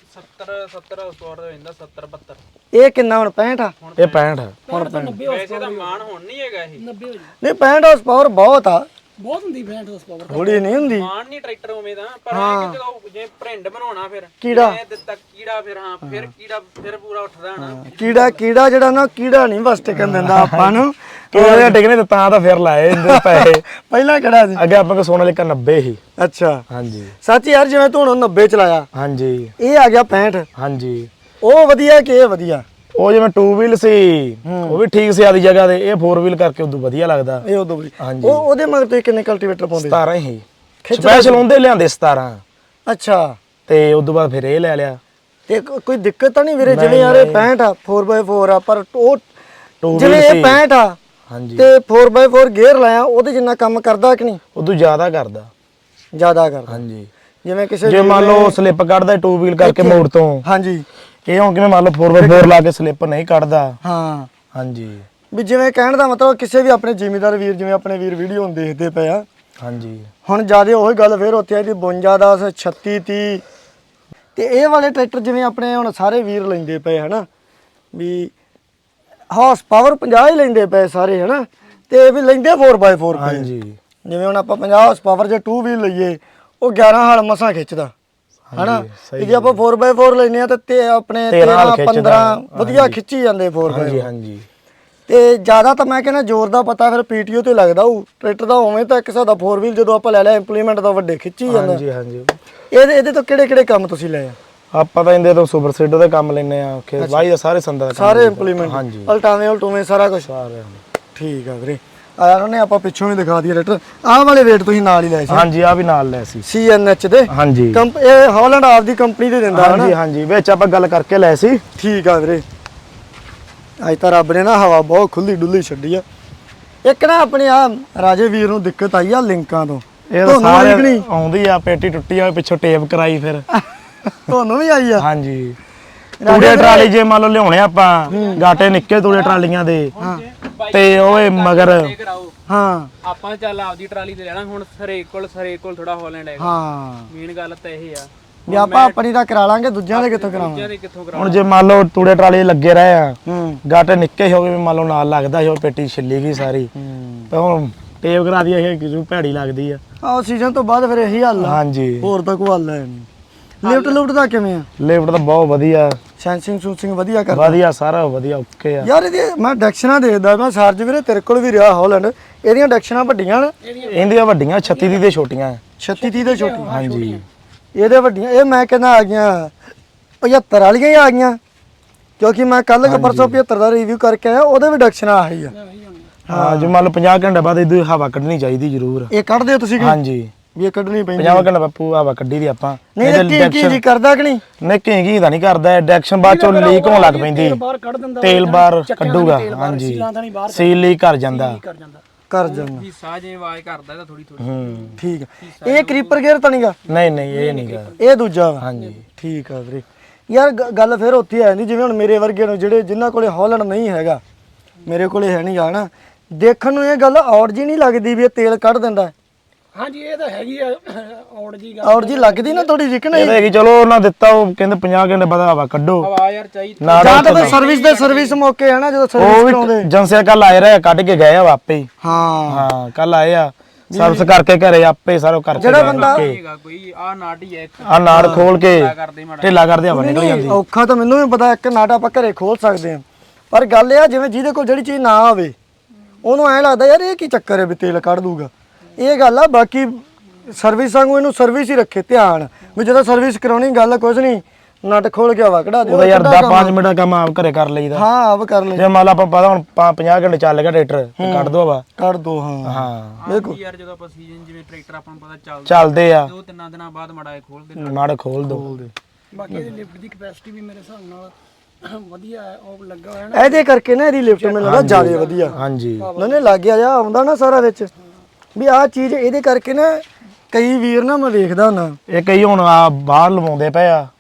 [SPEAKER 4] 70 ਸਕੋਰ ਹੋ ਜਾਂਦਾ 70 72।
[SPEAKER 1] ਇਹ ਕਿੰਨਾ ਹੁਣ 65 ਆ?
[SPEAKER 2] ਇਹ 65
[SPEAKER 4] ਵੈਸੇ ਤਾਂ ਮਾਨ ਹੁਣ ਨਹੀਂ ਹੈਗਾ ਇਹ।
[SPEAKER 1] ਨਹੀਂ 65 ਹਾਰਸ ਪਾਵਰ ਬਹੁਤ ਆ,
[SPEAKER 3] ਬਹੁਤ ਹੁੰਦੀ 65 ਹਾਰਸ ਪਾਵਰ।
[SPEAKER 1] ਥੋੜੀ ਨਹੀਂ ਹੁੰਦੀ।
[SPEAKER 4] ਮਾਨ ਨਹੀਂ ਟਰੈਕਟਰ ਉਵੇਂ ਦਾ, ਪਰ ਇਹ ਕਿ ਜਦੋਂ ਜੇ ਭਰਿੰਡ ਬਣਾਉਣਾ ਫਿਰ
[SPEAKER 1] ਕੀੜਾ
[SPEAKER 4] ਇਹ ਦਿੱਤਾ ਕੀੜਾ ਫਿਰ ਹਾਂ ਫਿਰ ਕੀੜਾ ਫਿਰ ਪੂਰਾ ਉੱਠਦਾ ਨਾ।
[SPEAKER 1] ਕੀੜਾ ਜਿਹੜਾ ਨਾ ਕੀੜਾ ਨਹੀਂ ਬਸ ਟਿਕਣ ਦਿੰਦਾ ਆਪਾਂ ਨੂੰ।
[SPEAKER 2] ਕਿਹੜੇ ਟਿਕਨੇ ਤੇ ਤਾਂ ਫਿਰ ਲਾਏ ਇਹਦੇ ਪੈਸੇ।
[SPEAKER 1] ਪਹਿਲਾਂ ਕਿਹੜਾ ਸੀ?
[SPEAKER 2] ਅੱਗੇ ਆਪਾਂ ਕੋ ਸੋਨਾ ਲਿਕਾ 90 ਹੀ।
[SPEAKER 1] ਅੱਛਾ
[SPEAKER 2] ਹਾਂਜੀ
[SPEAKER 1] ਸੱਚ ਯਾਰ, ਜਿਵੇਂ ਤੂੰ ਹੁਣ 90 ਚਲਾਇਆ,
[SPEAKER 2] ਹਾਂਜੀ
[SPEAKER 1] ਇਹ ਆ ਗਿਆ 65।
[SPEAKER 2] ਹਾਂਜੀ
[SPEAKER 1] ਉਹ ਵਧੀਆ ਕਿ ਇਹ ਵਧੀਆ?
[SPEAKER 2] ਉਹ ਜਿਵੇਂ 2 ਵੀਲ ਸੀ ਉਹ ਵੀ ਠੀਕ ਸੀ ਆਦੀ ਜਗ੍ਹਾ ਤੇ, ਇਹ 4 ਵੀਲ ਕਰਕੇ ਉਦੋਂ ਵਧੀਆ ਲੱਗਦਾ।
[SPEAKER 1] ਇਹ ਉਦੋਂ ਵੀ
[SPEAKER 2] ਹਾਂਜੀ
[SPEAKER 1] ਉਹਦੇ ਮਗਰ ਤੁਸੀਂ ਕਿੰਨੇ ਕਲਟੀਵੇਟਰ ਪਾਉਂਦੇ?
[SPEAKER 2] 17 ਹੀ ਸਪੈਸ਼ਲ ਹੁੰਦੇ ਲਿਆਂਦੇ 17।
[SPEAKER 1] ਅੱਛਾ
[SPEAKER 2] ਤੇ ਉਦੋਂ ਬਾਅਦ ਫਿਰ ਇਹ ਲੈ ਲਿਆ।
[SPEAKER 1] ਤੇ ਕੋਈ ਦਿੱਕਤ ਤਾਂ ਨਹੀਂ ਵੀਰੇ? ਜਿਵੇਂ ਯਾਰ ਇਹ 65 ਆ 4x4 ਆ, ਪਰ ਉਹ
[SPEAKER 2] 2
[SPEAKER 1] ਜਿਵੇਂ ਇਹ 65 ਆ
[SPEAKER 2] ਹਾਂਜੀ
[SPEAKER 1] ਤੇ 4x4 ਗੇਅਰ ਲਾਇਆ, ਉਹਦੇ ਜਿੰਨਾ ਕੰਮ ਕਰਦਾ ਕਿ ਨਹੀਂ?
[SPEAKER 2] ਉਦੋਂ ਜ਼ਿਆਦਾ ਕਰਦਾ।
[SPEAKER 1] ਜ਼ਿਆਦਾ ਕਰਦਾ।
[SPEAKER 2] ਹਾਂਜੀ
[SPEAKER 1] ਜਿਵੇਂ ਕਿਸੇ
[SPEAKER 2] ਜੇ ਮੰਨ ਲਓ ਸਲਿੱਪ ਕੱਢਦਾ 2 ਵੀਲ ਕਰਕੇ ਮੋੜ ਤੋਂ,
[SPEAKER 1] ਹਾਂਜੀ
[SPEAKER 2] ਇਹ ਹੁਣ ਕਿਵੇਂ ਮੰਨ ਲਓ 4x4 ਲਾ ਕੇ ਸਲਿੱਪ ਨਹੀਂ ਕੱਢਦਾ।
[SPEAKER 1] ਹਾਂ
[SPEAKER 2] ਹਾਂਜੀ
[SPEAKER 1] ਵੀ ਜਿਵੇਂ ਕਹਿਣ ਦਾ ਮਤਲਬ ਕਿਸੇ ਵੀ ਆਪਣੇ ਜ਼ਿਮੀਦਾਰ ਵੀਰ, ਜਿਵੇਂ ਆਪਣੇ ਵੀਰ ਵੀਡੀਓ ਨੂੰ ਦੇਖਦੇ ਪਏ ਆ,
[SPEAKER 2] ਹਾਂਜੀ
[SPEAKER 1] ਹੁਣ ਜਿਆਦਾ ਉਹੀ ਗੱਲ ਫੇਰ ਉੱਥੇ ਆਈ ਦੀ 52 10 36 30। ਤੇ ਇਹ ਵਾਲੇ ਟਰੈਕਟਰ ਜਿਵੇਂ ਆਪਣੇ ਹੁਣ ਸਾਰੇ ਵੀਰ ਲੈਂਦੇ ਪਏ ਹਨਾ, ਵੀ ਹਾਰਸ ਪਾਵਰ 50 ਹੀ ਲੈਂਦੇ ਪਏ ਸਾਰੇ ਹਨਾ, ਤੇ ਇਹ ਵੀ ਲੈਂਦੇ 4x4 ਪਏ।
[SPEAKER 2] ਹਾਂਜੀ
[SPEAKER 1] ਜਿਵੇਂ ਹੁਣ ਆਪਾਂ 50 ਹਾਰਸ ਪਾਵਰ ਜੇ 2 ਵੀਲ ਲਈਏ, ਉਹ 11 ਹਲ ਮਸਾਂ ਖਿੱਚਦਾ ਹਨਾ। ਤੇ ਜੇ ਆਪਾਂ 4x4 ਲੈਨੇ ਆ ਤੇ ਆਪਣੇ 13 15 ਵਧੀਆ ਖਿੱਚੀ ਜਾਂਦੇ 4x4।
[SPEAKER 2] ਹਾਂਜੀ ਹਾਂਜੀ
[SPEAKER 1] ਤੇ ਜ਼ਿਆਦਾ ਤਾਂ ਮੈਂ ਕਹਿੰਦਾ ਜ਼ੋਰ ਦਾ ਪਤਾ ਫਿਰ ਪੀਟੀਓ ਤੇ ਲੱਗਦਾ ਉਹ ਟਰੈਕਟਰ ਦਾ। ਉਵੇਂ ਤਾਂ ਇੱਕ ਹਿਸਾਬ ਦਾ 4 ਵੀਲ ਜਦੋਂ ਆਪਾਂ ਲੈ ਲਿਆ ਇੰਪਲੀਮੈਂਟ ਦਾ ਵੱਡੇ ਖਿੱਚੀ ਜਾਂਦਾ।
[SPEAKER 2] ਹਾਂਜੀ ਹਾਂਜੀ
[SPEAKER 1] ਇਹਦੇ ਤੋਂ ਕਿਹੜੇ ਕੰਮ ਤੁਸੀਂ ਲਏ ਆ?
[SPEAKER 2] ਆਪਾਂ ਤਾਂ ਇਹਦੇ ਤੋਂ ਸੁਪਰ ਸੀਡਰ ਦੇ ਕੰਮ ਲੈਨੇ ਆ, ਖੇਤ ਵਾਹੀ ਦਾ ਸਾਰੇ ਸੰਦਾਂ ਦਾ ਕੰਮ
[SPEAKER 1] ਸਾਰੇ ਇੰਪਲੀਮੈਂਟ
[SPEAKER 2] ਹਾਂਜੀ
[SPEAKER 1] ਉਲਟਾਵੇਂ ਸਾਰਾ ਕੁਝ।
[SPEAKER 2] ਸਾਰੇ
[SPEAKER 1] ਠੀਕ ਆ ਵੀਰੇ। ਆ ਉਹਨੇ ਆਪਾਂ ਪਿੱਛੋਂ ਵੀ ਦਿਖਾ ਦਈਏ ਟਰੈਕਟਰ। ਆਹ ਵਾਲੇ ਵੇਟ ਤੁਸੀਂ ਨਾਲ ਹੀ ਲਏ ਸੀ?
[SPEAKER 2] ਹਾਂਜੀ ਆ ਵੀ ਨਾਲ ਲੈ ਸੀ
[SPEAKER 1] CNH ਦੇ।
[SPEAKER 2] ਹਾਂਜੀ
[SPEAKER 1] ਇਹ ਹਾਲੈਂਡ ਆਪ ਦੀ ਕੰਪਨੀ ਦੇ ਦਿੰਦਾ
[SPEAKER 2] ਹਾਂਜੀ ਹਾਂਜੀ ਵਿੱਚ ਆਪਾਂ ਗੱਲ ਕਰਕੇ ਲੈ ਸੀ।
[SPEAKER 1] ਠੀਕ ਆ ਵੀਰੇ। ਅੱਜ ਤਾਂ ਰੱਬ ਨੇ ਨਾ ਹਵਾ ਬਹੁਤ ਖੁੱਲੀ ਡੁੱਲੀ ਛੱਡੀ ਆ। ਇੱਕ ਨਾ ਆਪਣੇ ਆ ਰਾਜੇ ਵੀਰ ਨੂੰ ਦਿੱਕਤ ਆਈ ਆ ਲਿੰਕਾਂ ਤੋਂ।
[SPEAKER 2] ਇਹ ਤਾਂ ਸਾਰੇ ਆਉਂਦੀ ਆ, ਪੇਟੀ ਟੁੱਟੀ ਆ, ਪਿੱਛੋਂ ਟੇਪ ਕਰਾਈ ਫਿਰ।
[SPEAKER 1] ਤੁਹਾਨੂੰ ਵੀ ਆਈ ਆ?
[SPEAKER 2] ਹਾਂਜੀ ਤੂੜੇ ਟਰਾਲੀ ਜੇ ਮੰਨ ਲਓ ਲਿਆਉਣੇ ਆਪਾਂ, ਗਾਟੇ ਨਿੱਕੇ ਤੂੜੇ ਟਰਾਲੀਆਂ ਦੇ, ਤੇ ਓਏ ਮਗਰ
[SPEAKER 1] ਹਾਂ
[SPEAKER 4] ਆਪਾਂ ਚੱਲ ਆਪਦੀ ਟਰਾਲੀ ਤੇ ਲੈਣਾ। ਹੁਣ ਸਰੇ ਕੋਲ ਥੋੜਾ ਹਾਲੈਂਡ ਹੈਗਾ।
[SPEAKER 1] ਹਾਂ
[SPEAKER 4] ਮੇਨ ਗੱਲ ਤਾਂ ਇਹ ਆ
[SPEAKER 1] ਵੀ ਆਪਾਂ ਆਪਣੀ ਦਾ ਕਰਾ ਲਾਂਗੇ, ਦੂਜਿਆਂ ਦੇ ਕਿੱਥੋਂ ਕਰਾਵਾਂਗੇ?
[SPEAKER 4] ਦੂਜਿਆਂ ਦੇ ਕਿੱਥੋਂ ਕਰਾ।
[SPEAKER 2] ਹੁਣ ਜੇ ਮੰਨ ਲਓ ਤੂੜੇ ਟਰਾਲੀ ਲੱਗੇ ਰਹੇ ਆ,
[SPEAKER 1] ਹੂੰ
[SPEAKER 2] ਗਾਟੇ ਨਿੱਕੇ ਹੋ ਗਏ, ਮੰਨ ਲਓ ਨਾਲ ਲੱਗਦਾ ਸੀ, ਉਹ ਪੇਟੀ ਛਿੱਲੀ ਗਈ ਸਾਰੀ। ਤੇ ਹੁਣ ਟੇਪ ਕਰਾ ਦੀ ਇਹ ਕਿਉਂ ਭੈੜੀ ਲੱਗਦੀ ਆ।
[SPEAKER 1] ਆਹ ਸੀਜ਼ਨ ਤੋਂ ਬਾਅਦ ਫਿਰ ਇਹੀ ਹੱਲ ਆ,
[SPEAKER 2] ਹਾਂਜੀ
[SPEAKER 1] ਹੋਰ ਤਾਂ ਕੋਈ ਹੱਲ ਹੈ ਨਹੀਂ। ਲਿਫਟ ਦਾ ਕਿਵੇਂ ਆ?
[SPEAKER 2] ਲਿਫਟ ਤਾਂ ਬਹੁਤ ਵਧੀਆ,
[SPEAKER 1] ਸੈਂਸਿੰਗ ਸੂਸਿੰਗ ਵਧੀਆ ਕਰਦਾ?
[SPEAKER 2] ਵਧੀਆ ਸਾਰਾ ਵਧੀਆ ਓਕੇ ਆ
[SPEAKER 1] ਯਾਰ ਇਹਦੀ ਮੈਂ ਡੈਕਸ਼ਨਾਂ ਦੇਖਦਾ, ਮੈਂ ਸਰਜ ਵੀਰੇ ਤੇਰੇ ਕੋਲ ਵੀ ਰਿਹਾ ਹਾਲੈਂਡ, ਇਹਦੀਆਂ ਡੈਕਸ਼ਨਾਂ ਵੱਡੀਆਂ ਨੇ?
[SPEAKER 2] ਇਹਦੀਆਂ ਵੱਡੀਆਂ 36 ਦੀ ਤੇ ਛੋਟੀਆਂ
[SPEAKER 1] 36 30 ਦੇ ਛੋਟੀ?
[SPEAKER 2] ਹਾਂਜੀ
[SPEAKER 1] ਇਹਦੇ ਵੱਡੀਆਂ ਇਹ ਮੈਂ ਕਹਿੰਦਾ ਆ ਗਈਆਂ 75 ਵਾਲੀਆਂ ਹੀ ਆ ਗਈਆਂ, ਕਿਉਂਕਿ ਮੈਂ ਕੱਲ ਪਰਸੋਂ 75 ਦਾ ਰਿਵਿਊ ਕਰਕੇ ਆਇਆ, ਉਹਦੇ ਵੀ ਡੈਕਸ਼ਨਾਂ ਆਹੀ ਆ।
[SPEAKER 2] ਹਾਂ ਜੇ ਮੰਨ ਲਓ 50 ਘੰਟੇ ਬਾਅਦ ਇਹਦੀ ਹਵਾ ਕੱਢਣੀ ਚਾਹੀਦੀ ਜ਼ਰੂਰ।
[SPEAKER 1] ਇਹ ਕੱਢਦੇ ਹੋ ਤੁਸੀਂ?
[SPEAKER 2] ਹਾਂਜੀ
[SPEAKER 1] ਵੀ ਇਹ ਕੱਢਣੀ ਪੈਂਦੀ?
[SPEAKER 2] 50 ਘੰਟੇ ਬਾਪੂ ਹਵਾ ਕੱਢੀ ਦੀ ਆਪਾਂ।
[SPEAKER 1] ਨਹੀਂ ਕੀ ਕਰਦਾ ਕਿ ਨਹੀਂ?
[SPEAKER 2] ਨਹੀਂ ਘੀ ਤਾਂ ਨਹੀਂ ਕਰਦਾ, ਡੈਕਸ਼ਨ ਬਾਅਦ ਚੋਂ ਲੀਕ ਹੋਣ ਲੱਗ ਪੈਂਦੀ,
[SPEAKER 3] ਬਾਹਰ ਕੱਢ ਦਿੰਦਾ,
[SPEAKER 2] ਤੇਲ ਬਾਹਰ ਕੱਢੂਗਾ। ਹਾਂਜੀ ਸੀਲ ਲੀਕ ਕਰ ਜਾਂਦਾ।
[SPEAKER 1] ਕਰ ਜਾਂਦਾ
[SPEAKER 4] ਵੀ ਸਾਹ ਜੇ ਆਵਾਜ਼ ਕਰਦਾ ਤਾਂ ਥੋੜੀ
[SPEAKER 1] ਠੀਕ ਆ। ਇਹ ਕਰੀਪਰ ਗੇਅਰ ਤਾਂ ਨਹੀਂਗਾ?
[SPEAKER 2] ਨਹੀਂ ਨਹੀਂ ਇਹ ਨਹੀਂਗਾ,
[SPEAKER 1] ਇਹ ਦੂਜਾ ਵਾ?
[SPEAKER 2] ਹਾਂਜੀ
[SPEAKER 1] ਠੀਕ ਆ ਵੀਰੇ। ਯਾਰ ਗੱਲ ਫਿਰ ਉੱਥੇ ਆ ਜਾਂਦੀ, ਜਿਵੇਂ ਹੁਣ ਮੇਰੇ ਵਰਗੇ ਨੂੰ ਜਿਨ੍ਹਾਂ ਕੋਲੇ ਹਾਲੈਂਡ ਨਹੀਂ ਹੈਗਾ, ਮੇਰੇ ਕੋਲੇ ਹੈ ਨਹੀਂਗਾ ਨਾ, ਦੇਖਣ ਨੂੰ ਇਹ ਗੱਲ ਔੜ ਜੀ ਨਹੀਂ ਲੱਗਦੀ ਵੀ ਇਹ ਤੇਲ ਕੱਢ ਦਿੰਦਾ?
[SPEAKER 3] ਹਾਂਜੀ ਇਹ ਤਾਂ ਹੈਗੀ ਆ ਔੜ ਜੀ ਗੱਲ
[SPEAKER 1] ਔਰ ਜੀ ਲੱਗਦੀ ਨਾ ਥੋੜੀ ਜਿਹੀ ਕਿ ਨਹੀਂ
[SPEAKER 2] ਇਹ ਹੈਗੀ ਚਲੋ ਉਹਨਾਂ ਦਿੱਤਾ ਉਹ ਕਹਿੰਦੇ 50 ਘੰਟੇ ਬਾਅਦ ਹਵਾ ਕੱਢੋ
[SPEAKER 4] ਹਵਾ ਯਾਰ ਚਾਹੀਦੀ
[SPEAKER 2] ਨਾ
[SPEAKER 1] ਜਾਂ ਤਾਂ ਫਿਰ ਸਰਵਿਸ ਮੌਕੇ ਹੈ ਨਾ ਜਦੋਂ
[SPEAKER 2] ਉਹ
[SPEAKER 1] ਸਰਵਿਸ
[SPEAKER 2] ਵੀ
[SPEAKER 1] ਕਰਾਉਂਦੇ
[SPEAKER 2] ਏਜੰਸੀਆਂ ਕੱਲ ਆਏ ਰਹੇ ਕੱਢ ਕੇ ਗਏ ਆ ਆਪੇ ਹੀ
[SPEAKER 1] ਹਾਂ
[SPEAKER 2] ਹਾਂ ਕੱਲ ਆਏ ਆ ਸਰਵਿਸ ਕਰਕੇ ਘਰੇ ਆਪੇ ਸਾਰਾ ਕਰਕੇ
[SPEAKER 1] ਜਿਹੜਾ ਬੰਦਾ
[SPEAKER 4] ਹੈਗਾ ਕੋਈ ਆ ਨਾਟੀ ਹੈ ਇੱਕ
[SPEAKER 2] ਆ ਨਾੜ ਖੋਲ ਕੇ
[SPEAKER 4] ਕਰਦੇ ਮਾੜਾ
[SPEAKER 2] ਢਿੱਲਾ ਕਰਦੇ ਹਵਾ ਨਿਕਲ ਜਾਂਦੀ
[SPEAKER 1] ਔਖਾ ਤਾਂ ਮੈਨੂੰ ਵੀ ਪਤਾ ਇੱਕ ਨਾਟ ਆਪਾਂ ਘਰੇ ਖੋਲ ਸਕਦੇ ਹਾਂ ਪਰ ਗੱਲ ਇਹ ਆ ਜਿਵੇਂ ਜਿਹਦੇ ਕੋਲ ਜਿਹੜੀ ਚੀਜ਼ ਨਾ ਹੋਵੇ ਉਹਨੂੰ ਐਂ ਲੱਗਦਾ ਯਾਰ ਇਹ ਕੀ ਚੱਕਰ ਹੈ ਵੀ ਤੇਲ ਕੱਢ ਦੂਗਾ ਇਹ ਗੱਲ ਆ ਬਾਕੀ ਸਰਵਿਸ ਵਾਂਗੂ ਇਹਨੂੰ ਸਰਵਿਸ ਹੀ ਰੱਖੇ ਧਿਆਨ ਵੀ ਜਦੋਂ ਸਰਵਿਸ ਕਰਾਉਣੀ ਗੱਲ ਕੁਝ ਨਹੀਂ ਨਟ ਖੋਲ ਕੇ ਹਵਾ ਕਢਾ ਦੇ
[SPEAKER 2] ਉਹਦਾ ਯਾਰ 5 ਮਿੰਟ ਦਾ ਕੰਮ ਆਪ ਘਰੇ ਕਰ ਲਈਦਾ
[SPEAKER 1] ਹਾਂ ਆਪ ਕਰ ਲੈ
[SPEAKER 2] ਜੇ ਮੰਨ ਲਾ ਆਪਾਂ ਪਤਾ ਹੁਣ 50 ਘੰਟੇ ਚੱਲ ਗਿਆ ਟਰੈਕਟਰ ਤੇ ਕੱਢ ਦੋ ਹਵਾ
[SPEAKER 1] ਕੱਢ ਦੋ ਹਾਂ
[SPEAKER 2] ਹਾਂ
[SPEAKER 4] ਬਿਲਕੁਲ ਯਾਰ ਜਦੋਂ ਆਪਾਂ ਸੀਜ਼ਨ ਜਿਵੇਂ ਟਰੈਕਟਰ ਆਪਾਂ ਨੂੰ ਪਤਾ ਚੱਲਦਾ
[SPEAKER 2] ਚੱਲਦੇ ਆ
[SPEAKER 4] 2-3 ਦਿਨਾਂ ਬਾਅਦ ਮਾੜਾ ਜਿਹਾ ਖੋਲ ਦਿੰਦੇ
[SPEAKER 2] ਨਾੜ ਖੋਲ ਦੋ
[SPEAKER 3] ਬਾਕੀ ਇਹਦੀ ਲਿਫਟ ਦੀ ਕਪੈਸਿਟੀ ਵੀ ਮੇਰੇ ਹਿਸਾਬ ਨਾਲ ਵਧੀਆ ਹੈ ਉਹ ਲੱਗਾ ਹੋਇਆ ਨਾ
[SPEAKER 1] ਇਹਦੇ ਕਰਕੇ ਨਾ ਇਹਦੀ ਲਿਫਟ ਮੈਨੂੰ ਲੱਗਦਾ ਜ਼ਿਆਦਾ ਵਧੀਆ
[SPEAKER 2] ਹਾਂਜੀ
[SPEAKER 1] ਉਹਨੇ ਲੱਗ ਗਿਆ ਜਾ ਆਉਂਦਾ ਨਾ ਸਾਰਾ ਵਿੱਚ ਵੀ ਆਹ ਚੀਜ਼ ਇਹਦੇ ਕਰਕੇ ਨਾ ਕਈ ਵੀਰ ਨਾ ਮੈਂ ਵੇਖਦਾ ਹੁੰਦਾ
[SPEAKER 2] ਇਹ ਕਈ ਹੁਣ ਆ ਬਾਹਰ ਲਵਾਉਂਦੇ ਪਏ ਆ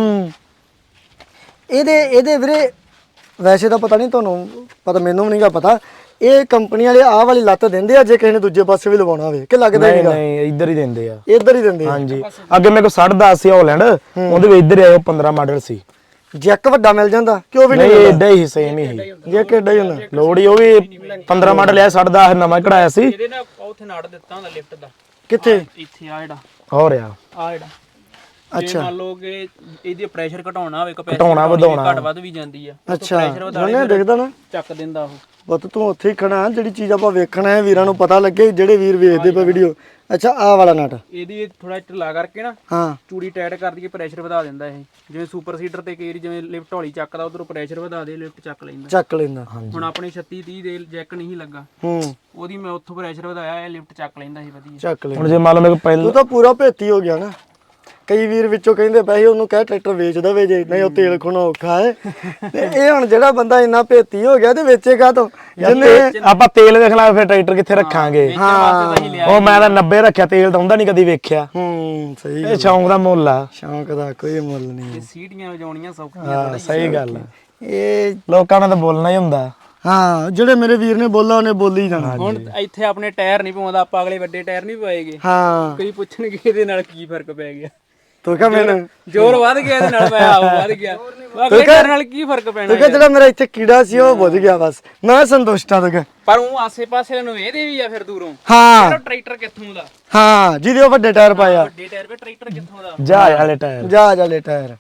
[SPEAKER 1] ਇਹਦੇ ਵੀਰੇ ਵੈਸੇ ਤਾਂ ਪਤਾ ਨਹੀਂ ਤੁਹਾਨੂੰ ਪਤਾ ਮੈਨੂੰ ਵੀ ਨਹੀਂਗਾ ਪਤਾ ਇਹ ਕੰਪਨੀ ਵਾਲੇ ਆਹ ਵਾਲੀ ਲੱਤ ਦਿੰਦੇ ਆ ਜੇ ਕਿਸੇ ਨੇ ਦੂਜੇ ਪਾਸੇ ਵੀ ਲਵਾਉਣਾ ਹੋਵੇ ਕਿ ਲੱਗਦਾ ਹੀ
[SPEAKER 2] ਨਹੀਂ
[SPEAKER 1] ਨਹੀਂਗਾ
[SPEAKER 2] ਨਹੀਂ ਇੱਧਰ ਹੀ ਦਿੰਦੇ ਆ
[SPEAKER 1] ਇੱਧਰ ਹੀ ਦਿੰਦੇ ਆ
[SPEAKER 2] ਹਾਂਜੀ ਅੱਗੇ ਮੇਰੇ ਕੋਲ 10.5 ਸੀ ਹਾਲੈਂਡ ਉਹਦੇ ਵਿੱਚ ਇੱਧਰ ਆਇਓ 15 ਮਾਡਲ ਸੀ
[SPEAKER 1] ਜੈਕ ਵੱਡਾ ਮਿਲ ਜਾਂਦਾ ਕਿ ਉਹ ਵੀ
[SPEAKER 2] ਨਹੀਂ
[SPEAKER 1] ਨਹੀਂ
[SPEAKER 2] ਏਡਾ ਹੀ ਸੇਮ ਹੀ ਸੀ
[SPEAKER 1] ਜੇ ਕਿੱਡਾ ਹੀ ਹੁੰਦਾ
[SPEAKER 2] ਲੋੜ ਹੀ ਉਹ ਵੀ 15 ਮਾਡਲ ਆ 10.5 ਨਵਾਂ ਕਢਾਇਆ ਸੀ
[SPEAKER 4] ਇਹਦੇ ਨਾਲ ਉੱਥੇ ਨਾੜ ਦਿੱਤਾ ਹੁੰਦਾ ਲਿਫਟ ਦਾ
[SPEAKER 1] ਕਿੱਥੇ
[SPEAKER 4] ਇੱਥੇ ਆ ਜਿਹੜਾ
[SPEAKER 2] ਹੋ ਰਿਹਾ
[SPEAKER 4] ਆ ਜਿਹੜਾ
[SPEAKER 1] ਅੱਛਾ
[SPEAKER 4] ਮੰਨ ਲਓ ਕਿ ਇਹਦੀ ਪ੍ਰੈਸ਼ਰ ਘਟਾਉਣਾ ਹੋਵੇ
[SPEAKER 2] ਘਟਾਉਣਾ, ਵਧਾਉਣਾ।
[SPEAKER 4] ਘਟ ਵੱਧ ਵੀ ਜਾਂਦੀ ਆ
[SPEAKER 1] ਅੱਛਾ
[SPEAKER 4] ਪ੍ਰੈਸ਼ਰ ਵਧਾ
[SPEAKER 1] ਉਹਨੇ ਦੇਖਦਾ ਨਾ
[SPEAKER 4] ਚੱਕ ਦਿੰਦਾ ਉਹ
[SPEAKER 1] ਬਤ ਤੂੰ ਉੱਥੇ ਹੀ ਖੜਾ ਜਿਹੜੀ ਚੀਜ਼ ਆਪਾਂ ਵੇਖਣਾ ਹੈ ਵੀਰਾਂ ਨੂੰ ਪਤਾ ਲੱਗੇ ਜਿਹੜੇ ਵੀਰ ਵੇਖਦੇ ਪਏ ਵੀਡੀਓ ਅੱਛਾ ਆਹ ਵਾਲਾ ਨਟ
[SPEAKER 4] ਇਹਦੀ ਥੋੜਾ ਢਿੱਲਾ ਕਰਕੇ ਨਾ
[SPEAKER 1] ਹਾਂ
[SPEAKER 4] ਚੂੜੀ ਟਾਈਟ ਕਰ ਦਈਏ ਪ੍ਰੈਸ਼ਰ ਵਧਾ ਦਿੰਦਾ ਇਹ ਜਿਵੇਂ ਸੁਪਰ ਸੀਡਰ ਤੇ ਕਈ ਵਾਰੀ ਜਿਵੇਂ ਲਿਫਟ ਹੌਲੀ ਚੱਕਦਾ ਉਧਰੋਂ ਪ੍ਰੈਸ਼ਰ ਵਧਾ ਦੇ ਲਿਫਟ ਚੱਕ ਲੈਂਦਾ
[SPEAKER 1] ਚੱਕ ਲੈਂਦਾ
[SPEAKER 4] ਹੁਣ ਆਪਣੇ 36 30 ਦੇ ਜੈਕ ਨਹੀਂ ਲੱਗਾ
[SPEAKER 1] ਹੂੰ
[SPEAKER 4] ਉਹਦੀ ਮੈਂ ਉੱਥੋਂ ਪ੍ਰੈਸ਼ਰ ਵਧਾਇਆ ਇਹ ਲਿਫਟ ਚੱਕ ਲੈਂਦਾ ਸੀ ਵਧੀਆ
[SPEAKER 1] ਚੱਕ ਲੈਂਦਾ
[SPEAKER 2] ਹੁਣ ਜੇ ਮੰਨ ਲਓ ਮੇਰੇ ਕੋਲ ਪਹਿਲਾਂ
[SPEAKER 1] ਤੂੰ ਤਾਂ ਪੂਰਾ ਭੇਤੀ ਹੋ ਗਿਆ ਨਾ ਕਈ ਵੀਰ ਵਿੱਚੋਂ ਕਹਿੰਦੇ ਪਏ ਉਹਨੂੰ ਕਹਿ ਟਰੈਕਟਰ ਵੇਚ ਦਵੇ ਜੇ ਨਹੀਂ ਉਹ ਤੇਲ ਖੋਣਾ ਔਖਾ ਹੈ ਤੇ ਇਹ ਹੁਣ ਜਿਹੜਾ ਬੰਦਾ ਇੰਨਾ ਭੇਤੀ ਹੋ ਗਿਆ ਤੇ ਵੇਚੇਗਾ ਤੋਂ ਜਿੰਨੇ
[SPEAKER 2] ਆਪਾਂ ਤੇਲ ਵੇਖਣਾ ਫਿਰ ਟਰੈਕਟਰ ਕਿੱਥੇ ਰੱਖਾਂਗੇ
[SPEAKER 4] ਵਾਸਤੇ ਤਾਂ ਹੀ ਲਿਆ
[SPEAKER 2] ਉਹ ਮੈਂ ਤਾਂ 90 ਰੱਖਿਆ ਤੇਲ ਤਾਂ ਹੁੰਦਾ ਨਹੀਂ ਕਦੀ ਵੇਖਿਆ
[SPEAKER 1] ਸਹੀ
[SPEAKER 2] ਇਹ ਸ਼ੌਂਕ ਦਾ ਮੁੱਲ ਆ
[SPEAKER 1] ਸ਼ੌਂਕ ਦਾ ਕੋਈ ਮੁੱਲ ਨਹੀਂ
[SPEAKER 4] ਇਹ ਸੀਟੀਆਂ ਵਜਾਉਣੀਆਂ ਸੌਖੀਆਂ
[SPEAKER 2] ਹਾਂ ਸਹੀ ਗੱਲ ਆ
[SPEAKER 1] ਇਹ
[SPEAKER 2] ਲੋਕਾਂ ਨਾਲ ਤਾਂ ਬੋਲਣਾ ਹੀ ਹੁੰਦਾ
[SPEAKER 1] ਹਾਂ ਜਿਹੜੇ ਮੇਰੇ ਵੀਰ ਨੇ ਬੋਲਾ ਉਹਨੇ ਬੋਲੀ ਜਾਣਾ
[SPEAKER 4] ਹੁਣ ਇੱਥੇ ਆਪਣੇ ਟਾਇਰ ਨਹੀਂ ਪਵਾਉਂਦਾ ਆਪਾਂ ਅਗਲੇ ਵੱਡੇ ਟਾਇਰ ਨਹੀਂ ਪਵਾਏਗੇ
[SPEAKER 1] ਹਾਂ
[SPEAKER 4] ਕਈ ਪੁੱਛਣਗੇ ਇਹਦੇ ਨਾਲ ਕੀ ਫਰਕ ਪੈ ਗਿਆ
[SPEAKER 1] ਤੂੰ ਕਹ ਮੈਨੂੰ
[SPEAKER 4] ਜ਼ੋਰ ਵੱਧ ਗਿਆ ਇਹਦੇ ਨਾਲ ਮੈਂ ਆਉ ਵੱਧ ਗਿਆ ਅਗਲੇ ਟਾਇਰ ਨਾਲ ਕੀ ਫਰਕ ਪੈਣਾ
[SPEAKER 1] ਤੂੰ ਕਹ ਜਿਹੜਾ ਮੇਰਾ ਇੱਥੇ ਕੀੜਾ ਸੀ ਉਹ ਬੁੱਝ ਗਿਆ ਬਸ ਮੈਂ ਸੰਤੁਸ਼ਟ ਆ ਤੂੰ ਕਹਿ
[SPEAKER 4] ਪਰ ਉਹ ਆਸੇ-ਪਾਸੇ ਨੂੰ ਵੇਖਦੇ ਵੀ ਆ ਫਿਰ ਦੂਰੋਂ
[SPEAKER 1] ਹਾਂ
[SPEAKER 4] ਟਰੈਕਟਰ ਕਿੱਥੋਂ ਦਾ
[SPEAKER 1] ਹਾਂ ਜਿਹਦੇ ਉਹ ਵੱਡੇ ਟਾਇਰ ਪਾਇਆ
[SPEAKER 4] ਵੱਡੇ ਟਾਇਰ 'ਤੇ ਟਰੈਕਟਰ ਕਿੱਥੋਂ ਦਾ
[SPEAKER 2] ਜਹਾਜ਼ ਵਾਲੇ ਟਾਇਰ
[SPEAKER 1] ਜਾ ਲੈ ਟਾਇਰ